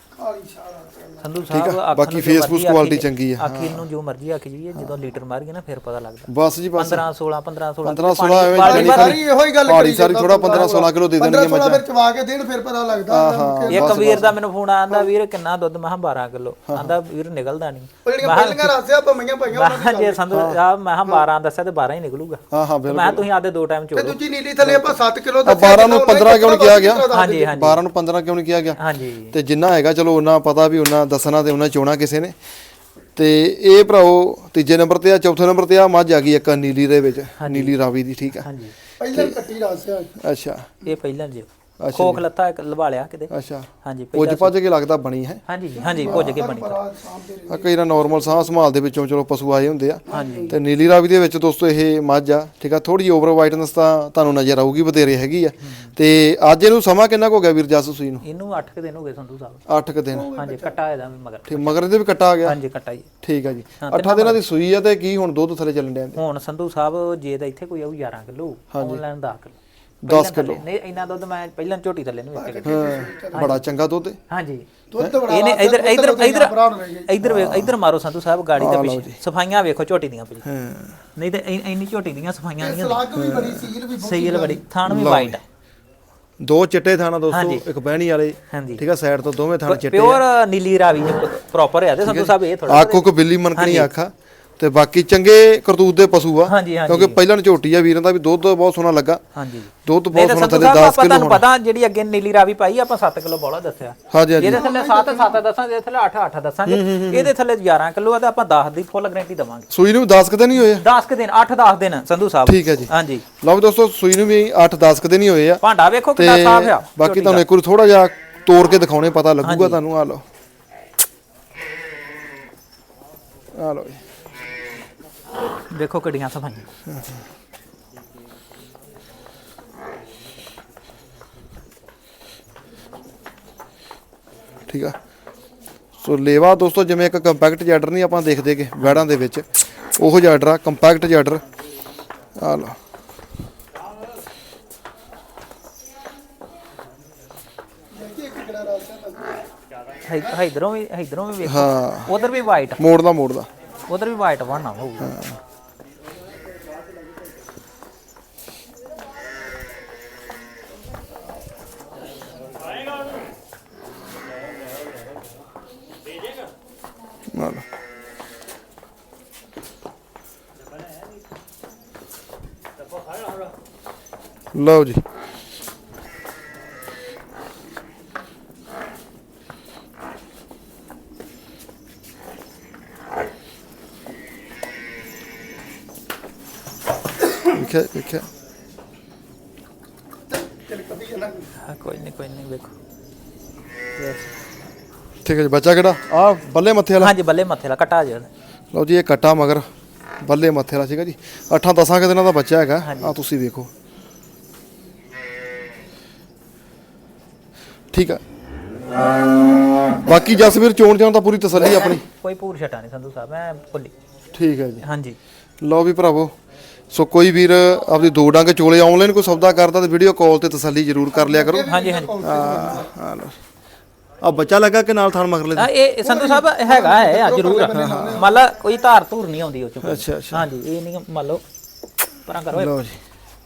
Speaker 2: ਸੰਧੂ ਸਾਹਿਬ
Speaker 1: ਬਾਕੀ ਫੇਸਬੁੱਕ ਕੁਆਲਿਟੀ ਚੰਗੀ ਆ।
Speaker 2: ਆਖੀ ਨੂੰ ਜੋ ਮਰਜ਼ੀ ਆਖੀ ਜਾਈਏ, ਜਦੋਂ ਲੀਟਰ ਮਾਰੀਏ ਨਾ ਫਿਰ ਪਤਾ ਲੱਗਦਾ।
Speaker 1: ਬਸ ਜੀ ਬਸ
Speaker 2: 15-16
Speaker 1: ਐਵੇਂ
Speaker 3: ਸਾਰੀ ਇਹੋ ਹੀ ਗੱਲ
Speaker 1: ਕਰੀ ਸਾਰੀ ਥੋੜਾ 15-16 ਕਿਲੋ ਦੇ ਦੇਣਗੇ ਮੱਝਾਂ।
Speaker 3: ਫਿਰ ਚਵਾ ਕੇ ਦੇਣ ਫਿਰ ਪਤਾ ਲੱਗਦਾ।
Speaker 2: ਇੱਕ ਵੀਰ ਦਾ ਮੈਨੂੰ ਫੋਨ ਆਂਦਾ, ਵੀਰ ਕਿੰਨਾ ਦੁੱਧ? ਮੈਂ ਕਿਹਾ 12 ਕਿਲੋ। ਆਂਦਾ ਵੀਰ ਨਿਕਲਦਾ ਨਹੀਂ।
Speaker 3: ਪਹਿਲੀਆਂ ਰਾਸਿਆ ਭੰਮੀਆਂ ਪਾਈਆਂ
Speaker 2: ਮੈਂ ਜੇ ਸੰਧੂ ਸਾਹਿਬ ਮੈਂ 12 ਦੱਸਿਆ ਤੇ 12 ਹੀ ਨਿਕਲੂਗਾ।
Speaker 1: ਹਾਂ ਹਾਂ ਬਿਲਕੁਲ।
Speaker 2: ਮੈਂ ਤੁਸੀਂ ਆਦੇ 2 ਟਾਈਮ
Speaker 3: ਤੇ
Speaker 2: ਚੋੜੋ।
Speaker 3: ਦੂਜੀ ਨੀਲੀ ਥੱਲੇ ਆਪਾਂ 7 ਕਿਲੋ
Speaker 1: 12 ਨੂੰ 15 ਕਿਉਂ ਨਹੀਂ ਕਿਹਾ ਗਿਆ?
Speaker 2: ਹਾਂਜੀ ਹਾਂਜੀ
Speaker 1: 12 ਨੂੰ 15 ਕਿਉਂ ਨਹੀਂ ਕਿਹਾ ਗਿਆ?
Speaker 2: ਹਾਂਜੀ
Speaker 1: ਤੇ ਜਿੰਨਾ ਹੈਗਾ ਚਲੋ ਉਹਨਾਂ ਪਤਾ ਵੀ ਉਹਨਾਂ ਦੱਸਣਾ ਤੇ ਉਹਨਾਂ ਚੋਣਾ ਕਿਸੇ ਨੇ। ਤੇ ਇਹ ਭਰਾਓ ਤੀਜੇ ਨੰਬਰ ਤੇ ਆ, ਚੌਥੇ ਨੰਬਰ ਤੇ ਆ ਮੱਝ ਆ ਗਈ ਇੱਕ ਨੀਲੀ ਦੇ ਵਿੱਚ, ਨੀਲੀ ਰਾਵੀ ਦੀ। ਠੀਕ ਆ।
Speaker 2: ਹਾਂਜੀ
Speaker 3: ਪਹਿਲਾਂ ਕੱਟੀ ਰਾਸਿਆ।
Speaker 1: ਅੱਛਾ
Speaker 2: ਇਹ ਪਹਿਲਾਂ ਜੀ ਖੋਖ ਲੱਤਾ ਇੱਕ ਲਵਾ ਲਿਆ ਕਿਤੇ।
Speaker 1: ਅੱਛਾ
Speaker 2: ਹਾਂਜੀ
Speaker 1: ਪੁੱਜ ਭੱਜ ਕੇ ਲੱਗਦਾ ਬਣੀ ਹੈ।
Speaker 2: ਹਾਂਜੀ ਪੁੱਜ ਕੇ ਬਣੀ।
Speaker 1: ਆ ਕਈ ਨਾ ਨਾਰਮਲ ਸਾਹ ਸੰਭਾਲ ਦੇ ਵਿੱਚੋਂ ਚਲੋ ਪਸ਼ੂ ਆਏ ਹੁੰਦੇ ਆ।
Speaker 2: ਹਾਂਜੀ
Speaker 1: ਤੇ ਨੀਲੀ ਰਾਵੀ ਦੇ ਵਿੱਚ ਦੋਸਤੋ ਇਹ ਮੱਝ ਆ। ਠੀਕ ਆ। ਥੋੜੀ ਓਵਰ ਵਾਈਟਨੈਸ ਤਾਂ ਤੁਹਾਨੂੰ ਨਜ਼ਰ ਆਊਗੀ, ਬਤੇਰੇ ਹੈਗੀ ਆ। ਤੇ ਅੱਜ ਇਹਨੂੰ ਸਮਾਂ ਕਿੰਨਾ ਕੁ ਹੋ ਗਿਆ ਵੀਰ ਜੱਸ ਸੂਈ ਨੂੰ?
Speaker 2: ਇਹਨੂੰ 8 ਦਿਨ ਹੋ ਗਏ ਸੰਧੂ ਸਾਹਿਬ।
Speaker 1: 8 ਕੁ ਦਿਨ।
Speaker 2: ਹਾਂਜੀ ਕੱਟਾ ਇਹਦਾ ਵੀ ਮਗਰ।
Speaker 1: ਠੀਕ ਮਗਰ ਇਹਦੇ ਵੀ ਕੱਟਾ ਆ ਗਿਆ।
Speaker 2: ਹਾਂਜੀ ਕੱਟਾ ਜੀ।
Speaker 1: ਠੀਕ ਆ ਜੀ। 8 ਦਿਨਾਂ ਦੀ ਸੂਈ ਆ ਤੇ ਕੀ ਹੁਣ ਦੁੱਧ ਥੱਲੇ ਚੱਲਣ ਡਿਆ?
Speaker 2: ਹੁਣ ਸੰਧੂ ਸਾਹਿਬ ਜੇ ਤਾਂ ਇੱਥੇ ਕੋਈ ਆਊ 11 ਕਿਲੋ, ਆਨਲਾਈਨ 10 ਕਿਲੋ।
Speaker 1: 10 ਕਿਲੋ
Speaker 2: ਨਹੀਂ ਇੰਨਾ ਦੁੱਧ ਮੈਂ ਪਹਿਲਾਂ ਝੋਟੀ ਥੱਲੇ ਨਹੀਂ ਵੇਚਿਆ।
Speaker 1: ਬੜਾ ਚੰਗਾ ਦੁੱਧ ਹੈ।
Speaker 2: ਹਾਂਜੀ
Speaker 3: ਦੁੱਧ ਬੜਾ
Speaker 2: ਇਹਨੇ ਇੱਧਰ ਮਾਰੋ ਸੰਧੂ ਸਾਹਿਬ ਗਾੜੀ ਦੇ ਪਿੱਛੇ। ਸਫਾਈਆਂ ਵੇਖੋ ਝੋਟੀ ਦੀਆਂ ਭਾਜੀ। ਨਹੀਂ ਤੇ ਇੰਨੀ ਝੋਟੀ ਦੀਆਂ ਸਫਾਈਆਂ ਨਹੀਂ।
Speaker 3: ਸਲਾਗ ਵੀ ਬੜੀ ਸੀਲ ਵੀ
Speaker 2: ਸੀਲ ਬੜੀ, ਥਾਣ ਵੀ ਵਾਈਟ ਹੈ।
Speaker 1: 2 ਚਿੱਟੇ ਥਾਣਾ ਦੋਸਤੋ, ਇੱਕ ਬਹਿਣੀ ਵਾਲੇ।
Speaker 2: ਹਾਂਜੀ
Speaker 1: ਠੀਕ ਆ। ਸਾਈਡ ਤੋਂ ਦੋਵੇਂ ਥਾਣ ਚਿੱਟੇ
Speaker 2: ਪਿਓਰ ਨੀਲੀ ਰਾਵੀ ਪ੍ਰੋਪਰ ਹੈ ਤੇ ਸੰਧੂ ਸਾਹਿਬ ਇਹ ਥੋੜਾ
Speaker 1: ਆਖੋ ਕੋ ਬਿੱਲੀ ਮਨਕਣੀ ਆਖਾ। ਤੇ ਬਾਕੀ ਚੰਗੇ ਕਰਤੂਤ ਦੇ ਪਸ਼ੂ ਆ,
Speaker 2: ਹਾਂਜੀ ਹਾਂਜੀ
Speaker 1: ਕਿਉਂਕਿ ਪਹਿਲਾਂ ਝੋਟੀ ਆ ਵੀਰਾਂ ਦਾ ਵੀ ਦੁੱਧ ਬਹੁਤ ਸੋਹਣਾ ਲੱਗਾ।
Speaker 2: ਹਾਂਜੀ
Speaker 1: ਦੁੱਧ ਬਹੁਤ ਸੋਹਣਾ ਥੱਲੇ 10 ਕਿਲੋ
Speaker 2: ਤੁਹਾਨੂੰ ਪਤਾ ਜਿਹੜੀ ਅੱਗੇ ਨੀਲੀ ਰਾਵੀ ਪਾਈ ਆਪਾਂ 7 ਕਿਲੋ ਬੋਲਾ ਦੱਸਿਆ।
Speaker 1: ਹਾਂਜੀ ਹਾਂਜੀ
Speaker 2: ਇਹਦੇ ਥੱਲੇ 7 ਦੱਸਾਂਗੇ, ਇਹਦੇ ਥੱਲੇ 8 ਦੱਸਾਂਗੇ। ਇਹਦੇ ਥੱਲੇ 11 ਕਿਲੋ ਆ ਤੇ ਆਪਾਂ 10 ਦੀ ਫੁੱਲ ਗਾਰੰਟੀ ਦਵਾਂਗੇ।
Speaker 1: ਸੂਈ ਨੂੰ 10 ਕਦੇ ਨਹੀਂ ਹੋਏ?
Speaker 2: 10 ਦਿਨ 8-10 ਦਿਨ ਸੰਧੂ ਸਾਹਿਬ।
Speaker 1: ਠੀਕ ਹੈ ਜੀ।
Speaker 2: ਹਾਂਜੀ
Speaker 1: ਲਓ ਵੀ ਦੋਸਤੋ ਸੂਈ ਨੂੰ ਵੀ 8-10 ਕਦੇ ਨਹੀਂ ਹੋਏ ਆ।
Speaker 2: ਭਾਂਡਾ ਵੇਖੋ ਕਿੰਨਾ ਸਾਫ਼ ਆ।
Speaker 1: ਬਾਕੀ ਤੁਹਾਨੂੰ ਇੱਕ ਵਾਰ ਥੋੜਾ ਜਿਹਾ ਤੋੜ ਕੇ ਦਿਖਾਉਣੇ ਪਤਾ ਲੱਗੂਗਾ ਤੁਹਾਨੂੰ। ਆ ਲਓ ਆ ਲਓ
Speaker 2: ਦੇਖੋ ਕਿੱਡੀਆਂ ਸਫਾਈਆਂ।
Speaker 1: ਠੀਕ ਆ। ਸੋ ਲੇਵਾ ਦੋਸਤੋ ਜਿਵੇਂ ਇੱਕ ਕੰਪੈਕਟ ਜੈਡਰ ਨਹੀਂ ਆਪਾਂ ਦੇਖਦੇ ਕਿ ਵੈੜਾਂ ਦੇ ਵਿੱਚ, ਉਹੋ ਜਿਹਾ ਜੈਡਰ ਆ, ਕੰਪੈਕਟ ਜੈਡਰ। ਆ ਲਓ
Speaker 2: ਇਧਰੋਂ ਵੀ ਵੇਖੋ।
Speaker 1: ਹਾਂ
Speaker 2: ਉਧਰ ਵੀ ਵਾਈਟ,
Speaker 1: ਮੋੜਦਾ
Speaker 2: ਉਧਰ ਵੀ ਵਾਈਟ ਬਣਨਾ ਹੋਊਗਾ।
Speaker 1: ਲਓ ਜੀ। ਵੇਖਿਆ
Speaker 2: ਕੋਈ ਨਹੀਂ ਵੇਖੋ।
Speaker 1: ਠੀਕ ਹੈ ਜੀ। ਬੱਚਾ ਕਿਹੜਾ? ਆ ਬੱਲੇ ਮੱਥੇ ਵਾਲਾ?
Speaker 2: ਹਾਂਜੀ ਬੱਲੇ ਮੱਥੇ ਵਾਲਾ ਕੱਟਾ ਜੇ।
Speaker 1: ਲਓ ਜੀ ਇਹ ਕੱਟਾ ਮਗਰ ਬੱਲੇ ਮੱਥੇ ਵਾਲਾ ਸੀਗਾ ਜੀ। 8-10 ਦਿਨਾਂ ਦਾ ਬੱਚਾ ਹੈਗਾ। ਆ ਤੁਸੀਂ ਵੇਖੋ। ਠੀਕ ਆ। ਬਾਕੀ ਜਸਵੀਰ ਚੋਣ ਜਾਣ ਤਾਂ ਪੂਰੀ ਤਸੱਲੀ ਆਪਣੀ,
Speaker 2: ਕੋਈ ਪੂਰ ਛਟਾ ਨਹੀਂ ਸੰਧੂ ਸਾਹਿਬ, ਮੈਂ ਭੁੱਲੀ।
Speaker 1: ਠੀਕ ਹੈ ਜੀ।
Speaker 2: ਹਾਂਜੀ
Speaker 1: ਲਓ ਵੀ ਭਰਾਵੋ, ਸੋ ਕੋਈ ਵੀਰ ਆਪਦੀ ਦੋ ਡੰਗ ਚੋਲੇ ਆਨਲਾਈਨ ਕੋਈ ਸੌਦਾ ਕਰਦਾ ਤੇ ਵੀਡੀਓ ਕਾਲ ਤੇ ਤਸੱਲੀ ਜ਼ਰੂਰ ਕਰ ਲਿਆ ਕਰੋ।
Speaker 2: ਹਾਂਜੀ ਹਾਂਜੀ
Speaker 1: ਆ ਬੱਚਾ ਲੱਗਾ ਕਿ ਨਾਲ ਥਣ ਮਗਰਲੇ ਦੇ?
Speaker 2: ਇਹ ਸੰਧੂ ਸਾਹਿਬ ਹੈਗਾ ਹੈ ਆ ਜ਼ਰੂਰ, ਮੰਨ ਲਾ ਕੋਈ ਧਾਰ ਧੂਰ ਨਹੀਂ ਆਉਂਦੀ ਉਹ ਚ।
Speaker 1: ਅੱਛਾ
Speaker 2: ਹਾਂਜੀ ਇਹ ਨਹੀਂ ਮੰਨ ਲਓ ਪਰਾਂ ਕਰੋ,
Speaker 1: ਲਓ ਜੀ।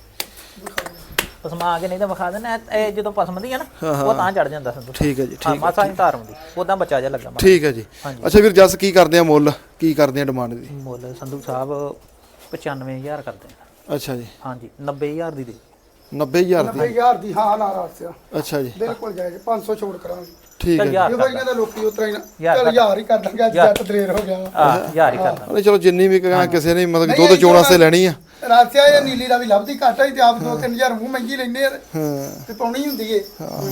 Speaker 2: ਪਸਮਾ ਕੇ ਨਹੀਂ ਤਾਂ ਵਿਖਾ ਦੇਣਾ, ਇਹ ਜਦੋਂ ਪਸਮਦੀ ਆ ਨਾ ਉਹ ਤਾਂ ਚੜ ਜਾਂਦਾ ਸੰਧੂ।
Speaker 1: ਠੀਕ ਹੈ ਜੀ,
Speaker 2: ਹਾਂ ਮਾਸਾ ਨਹੀਂ ਧਾਰ ਆਉਂਦੀ, ਉਦਾਂ ਬੱਚਾ ਜਿਹਾ ਲੱਗਾ।
Speaker 1: ਠੀਕ ਹੈ ਜੀ। ਅੱਛਾ ਵੀਰ ਜਸ ਕੀ ਕਰਦੇ ਆ ਮੁੱਲ, ਕੀ ਕਰਦੇ ਆ ਡਿਮਾਂਡ ਦੀ?
Speaker 2: ਮੁੱਲ ਸੰਧੂ ਸਾਹਿਬ 95,000 ਕਰਦੇ ਆ।
Speaker 1: ਅੱਛਾ ਜੀ।
Speaker 2: ਹਾਂਜੀ 90,000 ਦੀ ਦੇ।
Speaker 1: 90,000 ਦੀ?
Speaker 3: 90,000 ਦੀ ਹਾਂ ਨਾ ਰਾਸਿਆ।
Speaker 1: ਅੱਛਾ ਜੀ
Speaker 3: ਬਿਲਕੁਲ ਜਾਇਜ਼, 500 ਛੋੜ ਕਰਾਂਗੇ।
Speaker 1: ਠੀਕ ਹੈ।
Speaker 3: ਇਹ ਕੋਈ ਕਹਿੰਦਾ ਲੋਕੀ ਉਤਰਾ ਹੀ ਨਾ ਚੱਲ 1000 ਹੀ ਕਰ ਦਾਂਗੇ, ਅੱਜ ਜੱਟ ਦਰੇਰ ਹੋ ਗਿਆ।
Speaker 2: ਹਾਂ 1000 ਹੀ ਕਰਦਾ।
Speaker 1: ਚਲੋ ਜਿੰਨੀ ਵੀ ਕਹਾਂ ਕਿਸੇ ਨੇ ਮਤਲਬ ਦੁੱਧ ਚੋਣ ਵਾਸਤੇ ਲੈਣੀ ਆ।
Speaker 3: ਰਾਸਿਆ ਇਹ ਨੀਲੀ ਦਾ ਵੀ ਲੱਭਦੀ ਘੱਟ ਹੈ ਤੇ ਆਪ 2-3000 ਮੂੰਹ ਮਹਿੰਗੀ ਲੈਂਦੇ ਆ
Speaker 1: ਹਾਂ
Speaker 3: ਤੇ ਪਾਉਣੀ ਹੁੰਦੀ ਏ।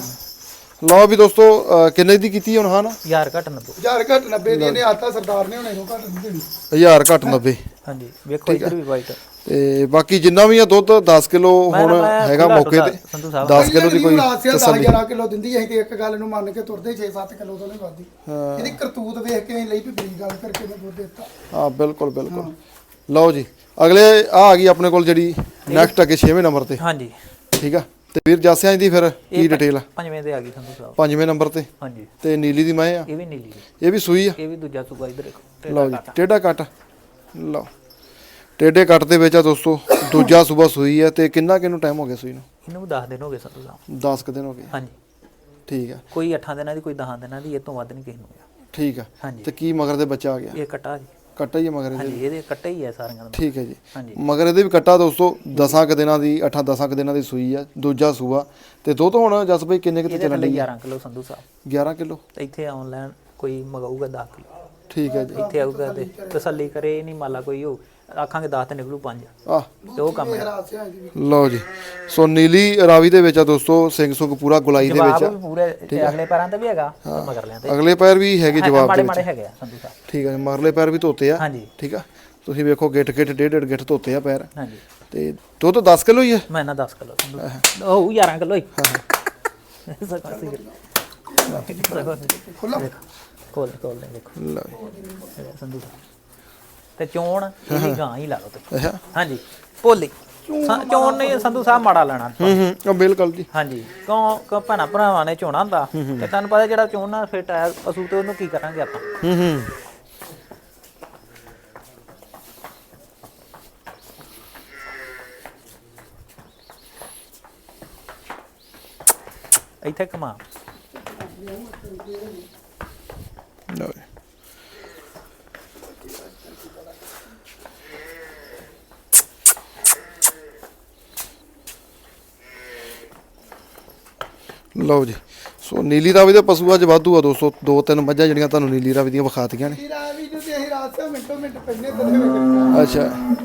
Speaker 1: ਲਓ ਵੀ ਦੋਸਤੋ, ਕਿੰਨੇ ਦੀ ਕੀਤੀ ਹੁਣ? ਹਾਂ ਨਾ
Speaker 2: 1000 ਘੱਟ 90।
Speaker 3: 1000 ਘੱਟ 90 ਦੀ ਇਹਨੇ ਆਤਾ ਸਰਦਾਰ ਨੇ, ਹੁਣ ਇਹਨੂੰ ਘੱਟ ਨਹੀਂ ਦੇਣੀ।
Speaker 1: 1000 ਘੱਟ 90।
Speaker 2: ਹਾਂਜੀ ਵੇਖੋ ਇੱਧਰ ਵੀ ਵਾਈਟ।
Speaker 1: ਤੇ ਬਾਕੀ ਜਿੰਨਾ ਵੀ ਆ ਦੁੱਧ 10 ਕਿਲੋ ਹੁਣ ਹੈਗਾ ਮੌਕੇ ਤੇ,
Speaker 2: ਸੰਧੂ ਸਾਹਿਬ
Speaker 1: 10 ਕਿਲੋ ਦੀ ਕੋਈ
Speaker 3: ਰਾਸਿਆ 10-11 ਕਿਲੋ ਦਿੰਦੀ ਹੈ, ਤੇ ਇੱਕ ਗੱਲ ਨੂੰ ਮੰਨ ਕੇ ਤੁਰਦੇ 6-7 ਕਿਲੋ ਤੋਂ ਨਹੀਂ ਵੱਧਦੀ। ਇਹਦੀ ਕਰਤੂਤ ਵੇਖ ਕੇ ਲਈ ਵੀ ਬੜੀ ਗੱਲ ਕਰਕੇ ਮੈਂ ਦੁੱਧ ਦਿੱਤਾ।
Speaker 1: ਹਾਂ ਬਿਲਕੁਲ ਬਿਲਕੁਲ। ਲਓ ਜੀ ਅਗਲੇ ਆ ਗਈ ਆਪਣੇ ਕੋਲ ਜਿਹੜੀ ਨੈਕਸਟ ਅੱਗੇ 6ਵੇਂ ਨੰਬਰ ਤੇ।
Speaker 2: ਹਾਂਜੀ
Speaker 1: ਠੀਕ ਆ। ਤੇ ਵੀਰ ਜਾਸਿਆਂ ਦੀ ਫਿਰ ਕੀ ਡਿਟੇਲ ਆ?
Speaker 2: 5ਵੇਂ ਤੇ ਆ ਗਈ ਸੰਧੂ ਸਾਹਿਬ।
Speaker 1: 5ਵੇਂ ਨੰਬਰ ਤੇ।
Speaker 2: ਹਾਂਜੀ
Speaker 1: ਤੇ ਨੀਲੀ ਦੀ ਮੈਂ ਆ,
Speaker 2: ਇਹ ਵੀ ਨੀਲੀ ਹੈ,
Speaker 1: ਇਹ ਵੀ ਸੂਈ ਆ।
Speaker 2: ਇਹ ਵੀ ਦੂਜਾ ਸੂਗਾ। ਇੱਧਰ ਦੇਖੋ
Speaker 1: ਲਓ ਜੀ ਟੇਢਾ ਕੱਟ। ਲਓ ਟੇਢੇ ਕੱਟ ਦੇ ਵਿੱਚ ਆ ਦੋਸਤੋ, ਦੂਜਾ ਸੂਬਾ ਸੂਈ ਆ। ਤੇ ਕਿੰਨਾ ਕਿਨੂੰ ਟਾਈਮ ਹੋ ਗਿਆ ਸੂਈ ਨੂੰ?
Speaker 2: ਇਹਨੂੰ 10 ਦਿਨ ਹੋ ਗਏ ਸੰਧੂ ਸਾਹਿਬ।
Speaker 1: 10 ਕੁ ਦਿਨ ਹੋ ਗਏ।
Speaker 2: ਹਾਂਜੀ
Speaker 1: ਠੀਕ ਆ।
Speaker 2: ਕੋਈ 8 ਦਿਨਾਂ ਦੀ, ਕੋਈ 10 ਦਿਨਾਂ ਦੀ, ਇਹ ਤੋਂ ਵੱਧ ਨਹੀਂ ਕਿਸੇ ਨੂੰ ਹੋਇਆ।
Speaker 1: ਠੀਕ ਆ।
Speaker 2: ਹਾਂਜੀ
Speaker 1: ਤੇ ਕੀ ਮਗਰ ਦੇ ਬੱਚਾ ਆ ਗਿਆ?
Speaker 2: ਇਹ ਕੱਟਾ ਜੀ।
Speaker 1: ਕੱਟਾ ਹੀ ਆ ਮਗਰ ਇਹਦੇ?
Speaker 2: ਹਾਂਜੀ ਇਹਦੇ ਕੱਟਾ ਹੀ ਹੈ ਸਾਰੀਆਂ ਦਾ।
Speaker 1: ਠੀਕ ਹੈ ਜੀ।
Speaker 2: ਹਾਂਜੀ
Speaker 1: ਮਗਰ ਇਹਦੇ ਵੀ ਕੱਟਾ ਦੋਸਤੋ 10 ਕੁ ਦਿਨਾਂ ਦੀ, 8-10 ਕੁ ਦਿਨਾਂ ਦੀ ਸੂਈ ਆ, ਦੂਜਾ ਸੂਆ। ਤੇ ਦੁੱਧ ਹੁਣ ਜਸ ਬਈ ਕਿੰਨੇ ਕਿਤੇ
Speaker 2: ਇਹਦੇ
Speaker 1: ਚੱਲਣ
Speaker 2: ਥੱਲੇ
Speaker 1: ਦੀ?
Speaker 2: 11 ਕਿਲੋ ਸੰਧੂ ਸਾਹਿਬ।
Speaker 1: 11 ਕਿਲੋ।
Speaker 2: ਇੱਥੇ ਆਨਲਾਈਨ ਕੋਈ ਮਗਾਊਗਾ 10 ਕਿਲੋ।
Speaker 1: ਠੀਕ ਹੈ ਜੀ।
Speaker 2: ਇੱਥੇ ਆਊਗਾ ਤੇ ਤਸੱਲੀ ਕਰੇ, ਇਹ ਨਹੀਂ ਮਾਲਾ ਕੋਈ ਹੋ ਆਖਾਂਗੇ 10 ਤੇ ਨਿਕਲੂ 5
Speaker 1: ਆਹ
Speaker 2: ਤੇ ਉਹ ਕੰਮ ਹੈ।
Speaker 3: ਰਾਸਿਆ ਇਹਦੀ ਵੀ
Speaker 1: ਲਓ ਜੀ। ਸੋ ਨੀਲੀ ਰਾਵੀ ਦੇ ਵਿੱਚ ਆ ਦੋਸਤੋ, ਸਿੰਘ ਸੁੰਗ ਪੂਰਾ ਗੁਲਾਈ ਦੇ ਵਿੱਚ
Speaker 2: ਜਵਾਬ
Speaker 1: ਆ।
Speaker 2: ਵੀ ਪੂਰੇ ਅਗਲੇ ਪੈਰਾਂ ਤੇ ਵੀ ਹੈਗਾ ਤੇ ਮਗਰ ਲਿਆਂ ਤੇ
Speaker 1: ਅਗਲੇ ਪੈਰ ਵੀ ਹੈਗੇ ਜਵਾਬ ਦੇ
Speaker 2: ਮਾੜੇ
Speaker 1: ਵਿੱਚ।
Speaker 2: ਮਾੜੇ ਹੈਗੇ ਆ ਸੰਧੂ ਸਾਹਿਬ।
Speaker 1: ਠੀਕ ਹੈ। ਮਗਰਲੇ ਪੈਰ ਵੀ ਧੋਤੇ ਆ।
Speaker 2: ਹਾਂਜੀ
Speaker 1: ਠੀਕ ਆ। ਤੁਸੀਂ ਵੇਖੋ ਗਿੱਟ ਗਿੱਟ ਡੇਢ ਗਿੱਟ ਧੋਤੇ ਆ ਪੈਰ।
Speaker 2: ਹਾਂਜੀ
Speaker 1: ਤੇ ਦੁੱਧ 10 ਕਿਲੋ ਹੀ ਆ।
Speaker 2: ਮੈਂ ਨਾ 10 ਕਿਲੋ ਸੰਧੂ ਉਹ 11 ਕਿਲੋ ਹੀ।
Speaker 3: ਖੁੱਲਾ
Speaker 2: ਕੋਲ ਕੋਲ ਨੇ ਦੇਖੋ
Speaker 1: ਲਓ ਜੀ।
Speaker 2: ਸੰਧੂ ਸਾਹਿਬ। ਤੇ ਚੋਣ ਇਹਦੀ ਗਾਂ ਹੀ ਲਾ ਲਓ ਤੁਸੀਂ।
Speaker 1: ਅੱਛਾ।
Speaker 2: ਹਾਂਜੀ ਭੋਲੀ ਚੋਣ ਨੇ ਸੰਧੂ ਸਾਹਿਬ ਮਾੜਾ ਲੈਣਾ।
Speaker 1: ਉਹ ਬਿਲਕੁਲ ਜੀ।
Speaker 2: ਹਾਂਜੀ ਕਿਉਂ ਭੈਣਾਂ ਭਰਾਵਾਂ ਨੇ ਚੋਣਾ ਹੁੰਦਾ ਤੇ ਤੁਹਾਨੂੰ ਪਤਾ ਜਿਹੜਾ ਚੋਣ ਨਾਲ ਫਿੱਟ ਆਇਆ ਪਸ਼ੂ ਤੇ ਉਹਨੂੰ ਕੀ ਕਰਾਂਗੇ ਆਪਾਂ। ਇੱਥੇ ਕਮਾ
Speaker 1: ਲਓ ਜੀ। ਲਓ ਜੀ। ਸੋ ਨੀਲੀ ਰਾਵੀ ਦੇ ਪਸ਼ੂ ਅੱਜ ਵਾਧੂ ਆ ਦੋਸਤੋ, 2-3 ਮੱਝਾਂ ਜਿਹੜੀਆਂ ਤੁਹਾਨੂੰ ਨੀਲੀ ਰਾਵੀ ਦੀਆਂ ਵਿਖਾਤੀਆਂ ਨੇ।
Speaker 3: ਰਾਵੀ ਨੂੰ ਤੇ ਅਸੀਂ ਰਾਸਿਆ ਮਿੰਟੋ ਮਿੰਟ ਪੈਨੇ ਤੇ ਵੇਖ।
Speaker 1: ਅੱਛਾ।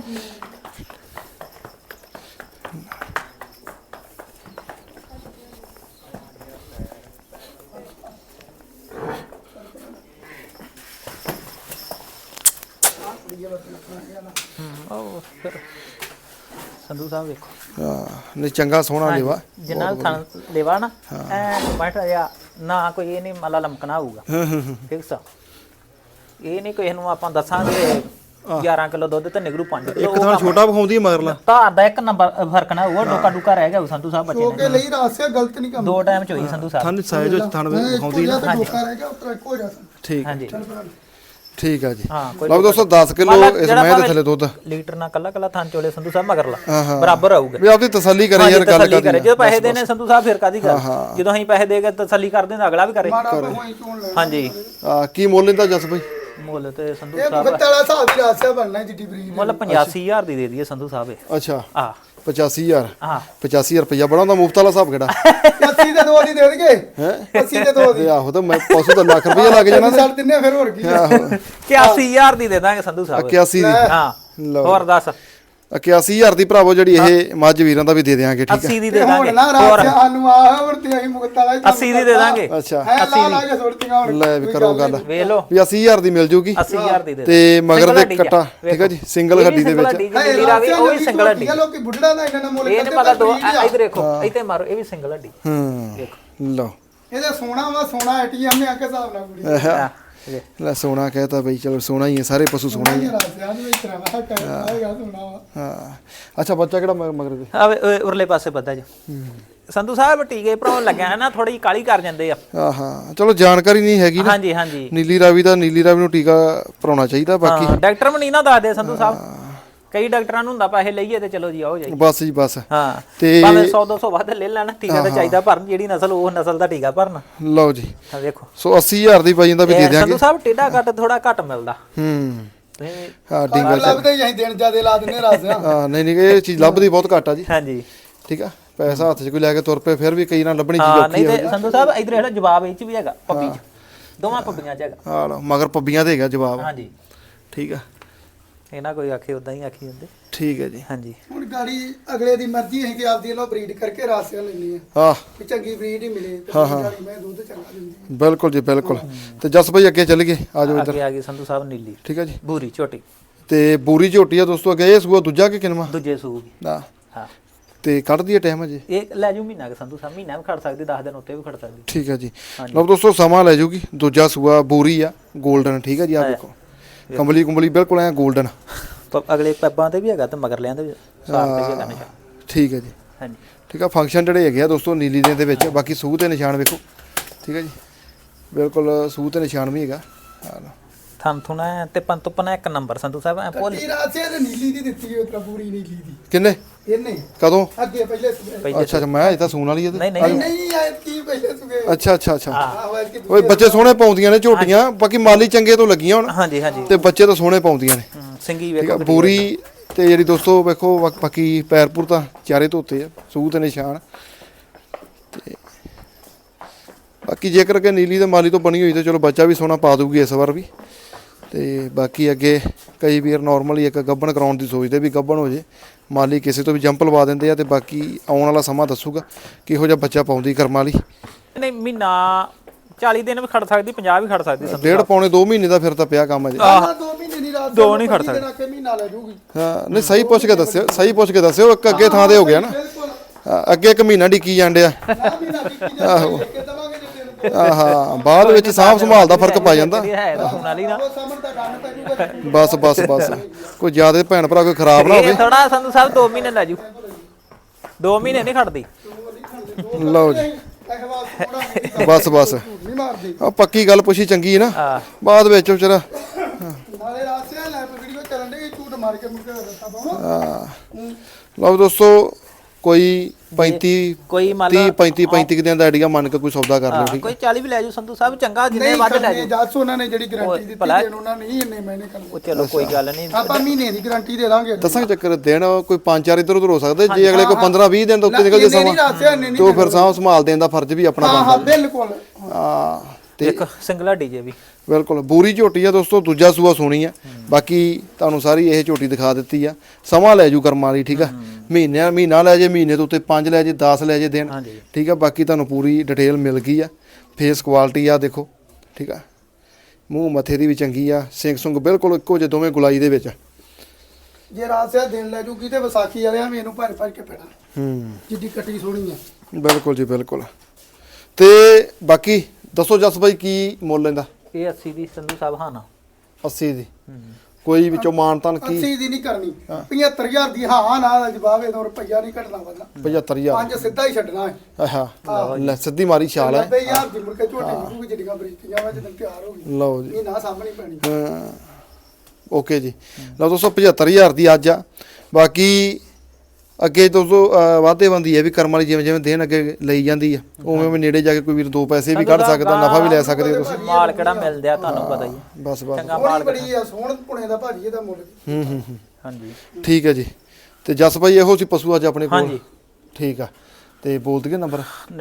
Speaker 2: ਉਹ ਫਿਰ ਸੰਧੂ ਸਾਹਿਬ ਵੇਖੋ
Speaker 1: ਹਾਂ ਨਹੀਂ ਚੰਗਾ ਸੋਹਣਾ ਲੇਵਾ।
Speaker 2: ਜਿੰਨਾ ਥਣ ਲੇਵਾ ਨਾ ਐ ਬੈਠ ਜਾ ਨਾ ਕੋਈ ਇਹ ਨਹੀਂ ਮਾਲਾ ਲਮਕਣਾ ਹੋਊਗਾ। ਫਿਕਸ ਇਹ ਨਹੀਂ ਕੋਈ ਇਹਨੂੰ ਆਪਾਂ ਦੱਸਾਂਗੇ 11 ਕਿਲੋ ਦੁੱਧ ਤੇ ਨਿਕਲੂ 5 ਕਿਲੋ।
Speaker 1: ਇੱਕ ਥਾਂ ਛੋਟਾ ਵਿਖਾਉਂਦੀ ਹੈ ਮਗਰਲਾ।
Speaker 2: ਧਾਰ ਦਾ ਇੱਕ ਨੰਬਰ ਫਰਕ ਨਾ ਹੋਊਗਾ। ਡੋਕਾ ਡੂਕਾ ਰਹਿ ਗਿਆ ਸੰਧੂ ਸਾਹਿਬ ਬੱਚੇ
Speaker 3: ਕੇ ਲਈ ਰਾਸਿਆ ਗਲਤ ਨਹੀਂ ਕੰਮ।
Speaker 2: 2 ਟਾਈਮ ਚ ਹੋਈ ਸੰਧੂ ਸਾਹਿਬ।
Speaker 1: ਥਣ ਸਾਈਜ਼ ਵਿੱਚ ਥਣ ਵਿਖਾਉਂਦੀ ਹੈ।
Speaker 3: ਧੋਖਾ ਰਹਿ ਗਿਆ ਉਤਰਾ ਹੋ ਜਾ।
Speaker 1: ਠੀਕ
Speaker 2: ਹਾਂਜੀ
Speaker 1: ਠੀਕ ਆ ਜੀ।
Speaker 2: ਹਾਂ ਕੋਈ
Speaker 1: ਲਓ ਦੋਸਤੋ 10 ਕਿਲੋ ਇਸ ਮੈਂ ਦੇ ਥੱਲੇ ਦੁੱਧ
Speaker 2: ਲੀਟਰ ਨਾਲ ਕੱਲਾ ਕੱਲਾ ਥਾਂ ਚੋਲੇ ਸੰਧੂ ਸਾਹਿਬ ਮਗਰਲਾ ਬਰਾਬਰ ਆਊਗਾ।
Speaker 1: ਵੀ ਆਪਦੀ ਤਸੱਲੀ ਕਰੇ ਯਾਰ ਗੱਲ
Speaker 2: ਤਸੱਲੀ ਕਰੇ।
Speaker 1: ਕਰਦੀ।
Speaker 2: ਜਦੋਂ ਪੈਸੇ ਦੇਣੇ ਸੰਧੂ ਸਾਹਿਬ ਫਿਰ ਕਾਦੀ ਗੱਲ। ਜਦੋਂ ਅਸੀਂ ਪੈਸੇ ਦੇ ਕੇ ਤਸੱਲੀ ਕਰਦੇ ਤਾਂ ਅਗਲਾ ਵੀ ਕਰੇ।
Speaker 3: ਮਾੜਾ ਹੋਈ ਚੋਣ ਲੈ।
Speaker 2: ਹਾਂਜੀ
Speaker 1: ਕੀ ਮੁੱਲ ਇਹਦਾ ਜਸ ਬਈ?
Speaker 2: ਮੁੱਲ ਤੇ ਸੰਧੂ
Speaker 3: ਇਹ
Speaker 2: ਸਾਹਿਬ
Speaker 3: ਮੁਕਤ ਵਾਲਾ ਹਿਸਾਬ ਦੀ ਰਾਸਿਆ ਬਣਨਾ ਜਿੱਡੀ ਬਰੀਡ।
Speaker 2: ਮੁੱਲ 85000 ਦੀ ਦੇ ਦਈਏ ਸੰਧੂ ਸਾਹਿਬ ਇਹ।
Speaker 1: ਅੱਛਾ
Speaker 2: ਆ
Speaker 1: 85000।
Speaker 2: ਹਾਂ
Speaker 1: 85000 ਰੁਪਇਆ ਬੜਾ ਹੁੰਦਾ ਮੁਫਤ ਵਾਲਾ ਹਿਸਾਬ ਕਿਹੜਾ?
Speaker 3: 80 ਦੇ 2 ਦੀ ਦੇ ਦੇਣਗੇ।
Speaker 1: ਹੈ
Speaker 3: 80 ਦੇ 2 ਦੀ।
Speaker 1: ਤੇ ਆਹੋ ਤਾਂ ਮੈਂ ਪਸ਼ੂ ਦਾ ਲੱਖ ਰੁਪਇਆ ਲੱਗ ਜਾਣਾ ਤੇ।
Speaker 3: ਛੱਡ ਦਿੰਨੇ ਫਿਰ ਹੋਰ ਕੀ।
Speaker 2: 81000 ਦੀ ਦੇ ਦਾਂਗੇ ਸੰਧੂ ਸਾਹਿਬ
Speaker 1: 81 ਦੀ।
Speaker 2: ਹਾਂ
Speaker 1: ਲਓ
Speaker 2: ਹੋਰ ਦੱਸ
Speaker 1: 81000 ਦੀ ਭਰਾਵੋ ਜਿਹੜੀ ਇਹ ਮੱਝ ਵੀਰਾਂ ਦਾ ਵੀ ਦੇ ਦੇਾਂਗੇ। ਠੀਕ
Speaker 2: 80 ਦੀ
Speaker 3: ਤੇ
Speaker 2: ਦੇ
Speaker 3: ਹੁਣ
Speaker 2: ਦਾਂਗੇ
Speaker 3: ਨਾ ਰਾਸਿਆ ਸਾਨੂੰ ਆ ਵਰਤੀ ਅਸੀਂ ਮੁਕਤ ਵਾਲਾ
Speaker 2: 80 ਦੀ ਦੇ ਦਾਂਗੇ।
Speaker 1: ਅੱਛਾ
Speaker 3: ਹੈ ਲਾ ਕੇ ਸੁੱਟੀਆਂ ਹੁਣ।
Speaker 1: ਲੈ ਵੀ ਕਰੋ ਗੱਲ
Speaker 2: ਵੇਖ ਲਓ
Speaker 1: ਵੀ 80000 ਦੀ ਮਿਲ ਜੂਗੀ
Speaker 2: 80000 ਦੀ ਦੇ
Speaker 1: ਤੇ ਮਗਰ ਦੇ ਕੱਟਾ। ਠੀਕ ਹੈ ਜੀ ਸਿੰਗਲ ਹੱਡੀ ਦੇ ਵਿੱਚ।
Speaker 2: ਨੀਲੀ ਰਾਵੀ ਉਹ ਵੀ ਸਿੰਗਲ ਹੱਡੀ।
Speaker 3: ਲੋਕੀ ਬੁੱਢੜਾ ਦਾ ਇਹਨਾਂ ਨਾਲ ਮੁੱਲ
Speaker 2: ਇਹ ਨਹੀਂ ਪਤਾ ਦੋ ਇਧਰ ਦੇਖੋ ਇੱਥੇ ਮਾਰੋ ਇਹ ਵੀ ਸਿੰਗਲ ਹੱਡੀ।
Speaker 1: ਦੇਖੋ ਲਓ
Speaker 3: ਇਹਦਾ ਸੋਨਾ ਵਾ ਸੋਨਾ ATM ਨੇ ਆ ਕੇ ਹਿਸਾਬ ਨਾਲ ਕੁੜੀ
Speaker 1: ਆਹਾ, ਲੈ ਸੋਨਾ ਕਹਿਤਾ ਬਈ, ਚਲੋ ਸੋਨਾ ਹੀ ਹੈ, ਸਾਰੇ ਪਸ਼ੂ ਸੋਨਾ ਹੀ ਹੈ।
Speaker 3: ਰਾਸਿਆਂ ਦੇ ਵਿੱਚ ਰਵਾ ਕਰਾਂਗਾ ਸੋਨਾ ਵਾ।
Speaker 1: ਹਾਂ ਅੱਛਾ, ਬੱਚਾ ਕਿਹੜਾ ਮਗਰ ਦੇ?
Speaker 2: ਆ ਉਰਲੇ ਪਾਸੇ ਬੱਦਾ ਜੀ ਸੰਧੂ ਸਾਹਿਬ ਟੀਕੇ ਭਰਾਉਣ ਲੱਗਿਆ ਨਾ, ਥੋੜੀ ਕਾਲੀ ਕਰ ਜਾਂਦੇ ਆ।
Speaker 1: ਹਾਂ ਚਲੋ ਜਾਣਕਾਰੀ ਨਹੀਂ ਹੈਗੀ ਨਾ।
Speaker 2: ਹਾਂਜੀ ਹਾਂਜੀ
Speaker 1: ਨੀਲੀ ਰਾਵੀ ਨੂੰ ਟੀਕਾ ਭਰਾਉਣਾ ਚਾਹੀਦਾ। ਬਾਕੀ
Speaker 2: ਹਾਂ ਡਾਕਟਰ ਵੀ ਨਹੀਂ ਨਾ ਦੱਸਦੇ ਸੰਧੂ ਸਾਹਿਬ, ਕਈ ਡਾਕਟਰਾਂ ਨੂੰ ਹੁੰਦਾ ਪੈਸੇ ਲਈਏ ਤੇ ਚਲੋ ਜੀ ਆਓ ਜਾਈ।
Speaker 1: ਬਸ ਜੀ ਬਸ।
Speaker 2: ਹਾਂ
Speaker 1: ਤੇ
Speaker 2: ਭਾਵੇਂ 100-200 ਵੱਧ ਲੈ ਲੈਣ, ਟੀਕਾ ਤਾਂ ਚਾਹੀਦਾ ਭਰਨ, ਜਿਹੜੀ ਨਸਲ ਉਹ ਨਸਲ ਦਾ ਟੀਕਾ ਭਰਨ।
Speaker 1: ਲਓ ਜੀ
Speaker 2: ਆ ਵੇਖੋ
Speaker 1: ਸੋ 80000 ਦੀ ਪੈ ਜਾਂਦਾ ਵੀ ਦੇ ਦਿਆਂਗੇ।
Speaker 2: ਸੰਧੂ ਸਾਹਿਬ ਟੇਡਾ ਕੱਟ ਥੋੜਾ ਘੱਟ ਮਿਲਦਾ।
Speaker 1: ਹਾਂ ਡਿੰਗਲ
Speaker 3: ਲੱਭਦੇ ਹੀ ਅਸੀਂ ਦਿਨ ਜਿਆਦੇ ਲਾ ਦਿੰਨੇ ਰਾਸਿਆਂ।
Speaker 1: ਹਾਂ ਨਹੀਂ ਇਹ ਚੀਜ਼ ਲੱਭਦੀ ਬਹੁਤ ਘੱਟ ਆ ਜੀ।
Speaker 2: ਹਾਂਜੀ
Speaker 1: ਠੀਕ ਆ, ਪੈਸਾ ਹੱਥ 'ਚ ਕੋਈ ਲੈ ਕੇ ਤੁਰ ਪਏ ਫਿਰ ਵੀ ਕਈ ਨਾਲ ਲੱਭਣੀ ਚੀਜ਼
Speaker 2: ਹਾਂ
Speaker 1: ਔਖੀ
Speaker 2: ਨਹੀਂ ਤੇ ਸੰਧੂ ਸਾਹਿਬ ਇਧਰ ਜਿਹੜਾ ਜਵਾਬ ਇਹ ਚ ਵੀ ਹੈਗਾ, ਪੱਪੀ ਚ ਦੋਵਾਂ ਪੱਪੀਆਂ ਚ ਹੈਗਾ।
Speaker 1: ਹਾਂ ਲਓ ਮਗਰ ਪੱਬੀਆਂ ਤੇ ਹੈਗਾ ਜਵਾਬ।
Speaker 2: ਹਾਂਜੀ
Speaker 1: ਠੀਕ ਆ,
Speaker 2: ਇਹਨਾਂ ਕੋਈ ਆਖੇ ਉਦਾਂ ਹੀ ਆਖੀ ਹੁੰਦੇ।
Speaker 1: ਠੀਕ ਹੈ ਜੀ।
Speaker 2: ਹਾਂਜੀ
Speaker 3: ਹੁਣ ਗਾੜੀ ਅਗਲੇ ਦੀ ਮਰਜ਼ੀ ਹੈ ਕਿ ਆਪਦੀ ਲੋ ਬਰੀਡ ਕਰਕੇ ਰਾਸਿਆਂ ਲੈਣੀ ਆ
Speaker 1: ਹਾਂ
Speaker 3: ਕਿ ਚੰਗੀ ਬਰੀਡ ਹੀ ਮਿਲੇ ਤੇ ਗਾੜੀ ਮੈਂ ਦੁੱਧ ਚੰਗਾ ਦਿੰਦੀ।
Speaker 1: ਬਿਲਕੁਲ ਜੀ ਬਿਲਕੁਲ। ਤੇ ਜਸ ਭਾਈ ਅੱਗੇ ਚੱਲ ਗਏ, ਆ ਜਾਓ ਇੱਧਰ।
Speaker 2: ਅੱਗੇ ਆ ਗਈ ਸੰਧੂ ਸਾਹਿਬ ਨੀਲੀ
Speaker 1: ਠੀਕ ਹੈ ਜੀ।
Speaker 2: ਬੂਰੀ ਝੋਟੀ
Speaker 1: ਤੇ ਬੂਰੀ ਝੋਟੀ ਆ ਦੋਸਤੋ, ਅੱਗੇ ਇਹ ਸੂਆ ਦੂਜਾ ਕਿ ਕਿਨਵਾ?
Speaker 2: ਦੂਜੇ ਸੂਬ
Speaker 1: ਹਾਂ
Speaker 2: ਹਾਂ।
Speaker 1: ਤੇ ਕੱਢਦੀ ਹੈ ਟਾਈਮ ਅਜੇ?
Speaker 2: ਇਹ ਲੈ ਜੂ ਮਹੀਨਾ ਕਿ ਸੰਧੂ ਸਾਹਿਬ, ਮਹੀਨਾ ਵੀ ਖੜ ਸਕਦੀ, 10 ਦਿਨ ਉੱਤੇ ਵੀ ਖੜ ਸਕਦੀ।
Speaker 1: ਠੀਕ ਹੈ ਜੀ। ਲਓ ਦੋਸਤੋ ਸਮਾਂ ਲੈ ਜੂਗੀ। ਦੂਜਾ ਸੂਆ ਬੂਰੀ ਆ 골ਡਨ। ਠੀਕ ਹੈ ਜੀ, ਆ ਦੇਖੋ ਕੰਬਲੀ ਬਿਲਕੁਲ ਐ 골ਡਨ।
Speaker 2: ਅਗਲੇ ਪੈਬਾਂ ਤੇ ਵੀ ਹੈਗਾ ਤੇ ਮਗਰ ਲਿਆਂ ਦੇ ਸਾਰ ਤੇ ਵੀ ਹੈਗਾ ਨਿਸ਼ਾਨ।
Speaker 1: ਠੀਕ ਹੈ ਜੀ।
Speaker 2: ਹਾਂਜੀ
Speaker 1: ਠੀਕ ਆ, ਫੰਕਸ਼ਨ ਜਿਹੜੇ ਹੈਗੇ ਆ ਦੋਸਤੋ ਨੀਲੀ ਦੇ ਵਿੱਚ। ਬਾਕੀ ਸੂਹ ਤੇ ਨਿਸ਼ਾਨ ਵੇਖੋ। ਠੀਕ ਹੈ ਜੀ, ਬਿਲਕੁਲ ਸੂਹ ਤੇ ਨਿਸ਼ਾਨ ਵੀ ਹੈਗਾ। ਹਾਂ
Speaker 2: ਥਣ ਥੁਣਾ ਤੇ ਪੰਤੁਪਨਾ ਇੱਕ ਨੰਬਰ ਸੰਧੂ ਸਾਹਿਬ ਐ ਭੁੱਲ।
Speaker 3: ਕੱਟੀ ਰਾਸਿਆਂ ਨੇ ਨੀਲੀ ਦੀ ਦਿੱਤੀ ਉਹ ਪੂਰੀ ਨੀਲੀ ਦੀ।
Speaker 1: ਕਿੰਨੇ?
Speaker 3: ਇਹਨੇ
Speaker 1: ਕਦੋਂ?
Speaker 3: ਅੱਗੇ ਪਹਿਲੇ
Speaker 1: ਅੱਛਾ ਅੱਛਾ, ਮੈਂ ਇਹ ਤਾਂ ਸੂਣ ਵਾਲੀ ਹੈ।
Speaker 2: ਨਹੀਂ ਨਹੀਂ
Speaker 3: ਨਹੀਂ ਆਏ ਕੀ ਪਹਿਲੇ ਸੁਗੇ।
Speaker 1: ਅੱਛਾ
Speaker 3: ਆਹੋ ਐਤਕੀ
Speaker 1: ਓਏ ਬੱਚੇ ਸੋਹਣੇ ਪਾਉਂਦੀਆਂ ਨੇ ਝੋਟੀਆਂ, ਬਾਕੀ ਮਾਲੀ ਚੰਗੇ ਤੋਂ ਲੱਗੀਆਂ ਹੁਣ।
Speaker 2: ਹਾਂਜੀ ਹਾਂਜੀ
Speaker 1: ਤੇ ਬੱਚੇ ਤਾਂ ਸੋਹਣੇ ਪਾਉਂਦੀਆਂ ਨੇ।
Speaker 2: ਸਿੰਗੀ
Speaker 1: ਠੀਕ ਆ,
Speaker 2: ਵੇਖੋ
Speaker 1: ਬੂਰੀ ਤੇ ਜਿਹੜੀ ਦੋਸਤੋ ਵੇਖੋ ਬਾਕੀ ਪੈਰਪੁਰ ਤਾਂ ਚਾਰੇ ਧੋਤੇ ਆ, ਸੂਹ ਤੇ ਨਿਸ਼ਾਨ। ਤੇ ਬਾਕੀ ਜੇਕਰ ਕਿ ਨੀਲੀ ਤੇ ਮਾਲੀ ਤੋਂ ਬਣੀ ਹੋਈ ਤੇ ਚਲੋ ਬੱਚਾ ਵੀ ਸੋਹਣਾ ਪਾ ਦੂਗੀ ਇਸ ਵਾਰ ਵੀ। ਤੇ ਬਾਕੀ ਅੱਗੇ ਕਈ ਵੀਰ ਨਾਰਮਲੀ ਇੱਕ ਗੱਬਣ ਕਰਾਉਣ ਦੀ ਸੋਚਦੇ ਵੀ ਗੱਬਣ ਹੋ ਜੇ, ਮਾਲੀ ਕਿਸੇ ਤੋਂ ਵੀ ਜੰਪ ਲਵਾ ਦਿੰਦੇ ਆ। ਤੇ ਬਾਕੀ ਆਉਣ ਵਾਲਾ ਸਮਾਂ ਦੱਸੂਗਾ ਕਿਹੋ ਜਿਹਾ ਬੱਚਾ ਪਾਉਂਦੀ ਕਰਮਾਂ ਵਾਲੀ।
Speaker 2: ਨਹੀਂ ਮਹੀਨਾ 40 ਦਿਨ ਵੀ ਖੜ ਸਕਦੀ, 50 ਵੀ ਖੜ ਸਕਦੀ ਸੰਧੂ
Speaker 1: ਡੇਢ ਪੌਣੇ 2 ਮਹੀਨੇ ਦਾ ਫਿਰ ਤਾਂ ਪਿਆ ਕੰਮ ਅਜੇ।
Speaker 3: 2 ਮਹੀਨੇ ਦੀ ਰਾਤ
Speaker 2: ਦੋ ਨਹੀਂ ਖੜ ਸਕਦੇ।
Speaker 3: ਕੇ ਮਹੀਨਾ ਲੈ ਜੂਗੀ।
Speaker 1: ਹਾਂ ਨਹੀਂ ਸਹੀ ਪੁੱਛ ਕੇ ਦੱਸਿਓ, ਸਹੀ ਪੁੱਛ ਕੇ ਦੱਸਿਓ। ਇੱਕ ਅੱਗੇ ਥਾਂ ਤੇ ਹੋ ਗਿਆ ਨਾ,
Speaker 3: ਬਿਲਕੁਲ
Speaker 1: ਅੱਗੇ ਇੱਕ ਮਹੀਨਾ ਡਿੱਕੀ ਜਾਂਦੇ ਆ।
Speaker 3: ਨਾ ਮਹੀਨਾ ਟਿੱਕੀ ਜਾ ਕੇ ਦਵਾਂਗੇ ਜੇ ਤੈਨੂੰ
Speaker 1: ਆਹਾ ਬਾਅਦ ਵਿੱਚ ਸਾਂਭ ਸੰਭਾਲ ਦਾ ਫਰਕ ਪੈ ਜਾਂਦਾ।
Speaker 2: ਹੈ ਤਾਂ ਸੁਣ ਵਾਲੀ ਨਾ।
Speaker 3: ਉਹ ਸਾਹਮਣੇ ਤਾਂ ਗੰਨ ਪੈ ਜੂਗਾ।
Speaker 1: ਬਸ ਕੋਈ ਜ਼ਿਆਦਾ ਭੈਣ ਭਰਾ ਕੋਈ ਖਰਾਬ ਨਾ
Speaker 2: ਇਹ
Speaker 1: ਹੋਵੇ।
Speaker 2: ਥੋੜਾ ਸੰਧੂ ਸਾਹਿਬ 2 ਮਹੀਨੇ ਲੈ ਜੂ, 2 ਮਹੀਨੇ ਨਹੀਂ ਖੜਦੀ।
Speaker 1: ਲਓ ਜੀ
Speaker 3: ਅਖਵਾਲ ਥੋੜਾ ਨਹੀਂ
Speaker 1: ਬਸ
Speaker 3: ਨਹੀਂ ਮਾਰਦੀ।
Speaker 1: ਆ ਪੱਕੀ ਗੱਲ ਪੁੱਛੀ ਚੰਗੀ ਹੈ ਨਾ,
Speaker 2: ਹਾਂ
Speaker 1: ਬਾਅਦ ਵਿੱਚ ਵਿਚਾਰਾ।
Speaker 3: ਨਾਲੇ ਰਾਸਿਆਂ ਲੈ ਵੀਡੀਓ ਚੱਲਣ ਦੇ ਝੂਠ ਮਾਰ ਕੇ ਮੁੜ ਕੇ ਦੱਸਾ ਪਾਉਣਾ।
Speaker 1: ਲਓ ਦੋਸਤੋ ਕੋਈ 35
Speaker 2: ਕੋਈ ਮੰਨ
Speaker 1: 30
Speaker 2: ਲਾ
Speaker 1: 35 ਦਿਨ ਦਾ ਆਈਡੀਆ ਮੰਨ ਕੇ ਕੋਈ ਸੌਦਾ ਕਰ ਲਿਓ। ਠੀਕ
Speaker 2: ਕੋਈ 40 ਵੀ ਲੈ ਜੂ ਸੰਧੂ ਸਾਹਿਬ, ਚੰਗਾ ਜਿੰਨੇ
Speaker 3: ਨਹੀਂ
Speaker 2: ਵੱਧ ਲੈ
Speaker 3: ਕਰਨੇ
Speaker 2: ਜੂ।
Speaker 3: ਦੱਸ ਉਹਨਾਂ ਨੇ ਜਿਹੜੀ ਗਾਰੰਟੀ ਦਿੱਤੀ
Speaker 2: ਭਲਾ-
Speaker 3: ਦੇਣ ਉਹਨਾਂ ਨੇ ਇੰਨੇ ਮਹੀਨੇ ਕਰਨੇ।
Speaker 2: ਉਹ ਚਲੋ ਕੋਈ ਗੱਲ ਨਹੀਂ।
Speaker 3: ਆਪਾਂ ਮਹੀਨੇ ਦੀ ਗਾਰੰਟੀ ਦੇ ਦਾਂਗੇ।
Speaker 1: ਦੱਸਾਂ ਚੱਕਰ ਦਿਨ ਕੋਈ 5-4 ਇੱਧਰ ਉੱਧਰ ਹੋ ਸਕਦੇ, ਜੇ ਅਗਲੇ ਕੋਈ 15-20 ਦਿਨ ਤੋਂ ਉੱਤੇ ਨਿਕਲ ਜੇ
Speaker 3: ਨਹੀਂ
Speaker 1: ਸਮਾਂ
Speaker 3: ਰਾਸਿਆਂ ਇੰਨੇ ਨਹੀਂ
Speaker 1: ਤੋਂ ਫਿਰ ਸਾਂਭ ਸੰਭਾਲ ਦੇਣ ਦਾ ਫਰਜ਼ ਵੀ ਆਪਣਾ
Speaker 3: ਹਾਂ
Speaker 1: ਬਣਦਾ।
Speaker 3: ਹਾਂ ਬਿਲਕੁਲ।
Speaker 1: ਹਾਂ ਤੇ
Speaker 2: ਇੱਕ ਸਿੰਗਲਾ ਡੀਜੇ ਵੀ
Speaker 1: ਬਿਲਕੁਲ ਬੂਰੀ ਝੋਟੀ ਆ ਦੋਸਤੋ, ਦੂਜਾ ਸੂਆ ਸੋਣੀ ਆ। ਬਾਕੀ ਤੁਹਾਨੂੰ ਸਾਰੀ ਇਹ ਝੋਟੀ ਦਿਖਾ ਦਿੱਤੀ ਆ। ਸਮਾਂ ਲੈ ਜੂ ਕਰਮਾਂ ਵਾਲੀ। ਠੀਕ ਆ, ਮਹੀਨਾ ਲੈ ਜੇ, ਮਹੀਨੇ ਤੋਂ ਉੱਤੇ 5 ਲੈ ਜੇ, 10 ਲੈ ਜੇ ਦਿਨ।
Speaker 2: ਹਾਂਜੀ
Speaker 1: ਠੀਕ ਆ, ਬਾਕੀ ਤੁਹਾਨੂੰ ਪੂਰੀ ਡਿਟੇਲ ਮਿਲ ਗਈ ਆ। ਫੇਸ ਕੁਆਲਿਟੀ ਆ ਦੇਖੋ। ਠੀਕ ਆ, ਮੂੰਹ ਮੱਥੇ ਦੀ ਵੀ ਚੰਗੀ ਆ, ਸਿੰਘ ਸੁੰਗ ਬਿਲਕੁਲ ਇੱਕੋ ਜਿਹੇ ਦੋਵੇਂ ਗੁਲਾਈ ਦੇ ਵਿੱਚ।
Speaker 3: ਜੇ ਰਾਸਿਆਂ ਦਿਨ ਲੈ ਜੂਗੀ ਤੇ ਵਿਸਾਖੀ ਵਾਲਿਆਂ ਵੀ ਇਹਨੂੰ ਭਰ ਕੇ ਪੈਣਾ। ਜਿੱਡੀ ਕੱਟੀ ਸੋਹਣੀ ਆ।
Speaker 1: ਬਿਲਕੁਲ ਜੀ ਬਿਲਕੁਲ। ਤੇ ਬਾਕੀ ਦੱਸੋ ਜਸ ਬਾਈ ਕੀ ਮੁੱਲ ਲੈਂਦਾ?
Speaker 2: ਇਹ 80 ਦੀ ਸੰਧੂ ਸਾਹਿਬ ਹਾਂ ਨਾ
Speaker 1: 80 ਦੀ ਕੋਈ ਵਿੱਚੋਂ ਮਾਨਤਾਨ ਕੀ?
Speaker 3: 80 ਦੀ ਨਹੀਂ ਕਰਨੀ, 75000 ਦੀ ਹਾਂ ਨਾਲ ਜਵਾਬ ਇਹ ਰੁਪਈਆ ਨਹੀਂ ਘਟਣਾ ਵਧਣਾ।
Speaker 1: 75000
Speaker 3: ਪੰਜ ਸਿੱਧਾ ਹੀ ਛੱਡਣਾ ਹੈ।
Speaker 1: ਆਹਾ ਲੈ ਸਿੱਧੀ ਮਾਰੀ ਛਾਲ ਹੈ।
Speaker 3: 90000 ਦੀ ਮੁੜ ਕੇ ਝੋਟੀ ਮਿਲੂਗੀ ਜਿਹੜੀਆਂ ਬਰੀਕੀਆਂ ਵਾ ਜਦੋਂ ਤਿਆਰ ਹੋ ਗਈ।
Speaker 1: ਲਓ ਜੀ
Speaker 3: ਇਹ ਨਾ ਸਾਹਮਣੇ ਪੈਣੀ।
Speaker 1: ਹਾਂ ਓਕੇ ਜੀ। ਲਓ ਦੋਸਤੋ 75000 ਦੀ ਅੱਜ ਆ। ਬਾਕੀ ਅੱਗੇ ਦੋਸਤੋ ਵਾਧੇ ਬੰਦੀ ਹੈ ਵੀ ਕਰਮ ਵਾਲੀ, ਜਿਵੇਂ ਦਿਨ ਅੱਗੇ ਲਈ ਜਾਂਦੀ ਆ ਉਵੇਂ ਉਵੇਂ ਨੇੜੇ ਜਾ ਕੇ ਕੋਈ ਵੀਰ 2 ਪੈਸੇ ਵੀ ਕੱਢ ਸਕਦਾ, ਨਫਾ ਵੀ ਲੈ ਸਕਦੇ ਹੋ ਤੁਸੀਂ।
Speaker 2: ਮਾਲ ਕਿਹੜਾ ਮਿਲਦਾ ਆ ਤੁਹਾਨੂੰ ਪਤਾ ਹੀ ਹੈ।
Speaker 1: ਬਸ
Speaker 2: ਚੰਗਾ
Speaker 3: ਸੋਹਣੀ
Speaker 2: ਮਾਲ
Speaker 3: ਬੜੀ ਆ, ਸੋਹਣ ਪੁਣੇ ਦਾ ਭਾਜੀ ਇਹਦਾ ਮੁੱਲ।
Speaker 2: ਹਾਂਜੀ
Speaker 1: ਠੀਕ ਹੈ ਜੀ। ਤੇ ਜਸ ਭਾਈ ਇਹੋ ਸੀ ਪਸ਼ੂ ਅੱਜ ਆਪਣੇ ਕੋਲ।
Speaker 2: ਹਾਂਜੀ
Speaker 1: ਠੀਕ ਆ, ਤੇ ਬੋਲ ਦਈਏ ਨੰਬਰ?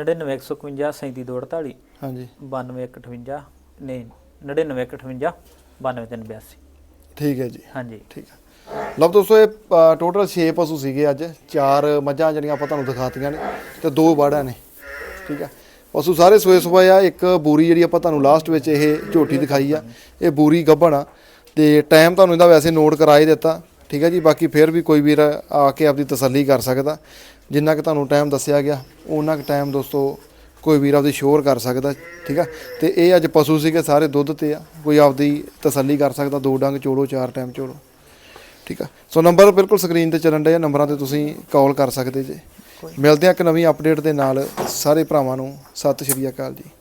Speaker 2: 99151 3748
Speaker 1: ਹਾਂਜੀ
Speaker 2: 9258 ਨਹੀਂ 99158 92382।
Speaker 1: ਠੀਕ ਹੈ ਜੀ।
Speaker 2: ਹਾਂਜੀ
Speaker 1: ਠੀਕ ਆ। ਲਓ ਦੋਸਤੋ ਇਹ ਟੋਟਲ 6 ਪਸ਼ੂ ਸੀਗੇ ਅੱਜ। 4 ਮੱਝਾਂ ਜਿਹੜੀਆਂ ਆਪਾਂ ਤੁਹਾਨੂੰ ਦਿਖਾਤੀਆਂ ਨੇ ਤੇ 2 ਬਾੜਾਂ ਨੇ। ਠੀਕ ਆ, ਪਸ਼ੂ ਸਾਰੇ ਸੋਏ ਸੋਏ ਆ। ਇੱਕ ਬੂਰੀ ਜਿਹੜੀ ਆਪਾਂ ਤੁਹਾਨੂੰ ਲਾਸਟ ਵਿੱਚ ਇਹ ਝੋਟੀ ਦਿਖਾਈ ਆ, ਇਹ ਬੂਰੀ ਗੱਭਣ ਆ। ਤੇ ਟਾਈਮ ਤੁਹਾਨੂੰ ਇਹਦਾ ਵੈਸੇ ਨੋਟ ਕਰਾ ਹੀ ਦਿੱਤਾ। ਠੀਕ ਹੈ ਜੀ, ਬਾਕੀ ਫਿਰ ਵੀ ਕੋਈ ਵੀਰ ਆ ਕੇ ਆਪਦੀ ਤਸੱਲੀ ਕਰ ਸਕਦਾ। ਜਿੰਨਾ ਕਿ ਤੁਹਾਨੂੰ ਟਾਈਮ ਦੱਸਿਆ ਗਿਆ ਉਹਨਾਂ ਕੁ ਟਾਈਮ ਦੋਸਤੋ ਕੋਈ ਵੀਰ ਆਪਦੀ ਸ਼ੋਰ ਕਰ ਸਕਦਾ, ਠੀਕ ਆ। ਤੇ ਇਹ ਅੱਜ ਪਸ਼ੂ ਸੀਗੇ ਸਾਰੇ ਦੁੱਧ ਤੇ ਆ, ਕੋਈ ਆਪਦੀ ਤਸੱਲੀ ਕਰ ਸਕਦਾ, 2 ਡੰਗ ਚੋੜੋ 4 ਟਾਈਮ ਚੋੜੋ, ਠੀਕ ਆ। ਸੋ ਨੰਬਰ ਬਿਲਕੁਲ ਸਕਰੀਨ ਤੇ ਚੱਲਣ ਡਏ ਆ, ਨੰਬਰਾਂ ਤੇ ਤੁਸੀਂ ਕਾਲ ਕਰ ਸਕਦੇ ਜੇ। ਮਿਲਦੇ ਆ ਇੱਕ ਨਵੀਂ ਅਪਡੇਟ ਦੇ ਨਾਲ। ਸਾਰੇ ਭਰਾਵਾਂ ਨੂੰ ਸਤਿ ਸ਼੍ਰੀ ਅਕਾਲ ਜੀ।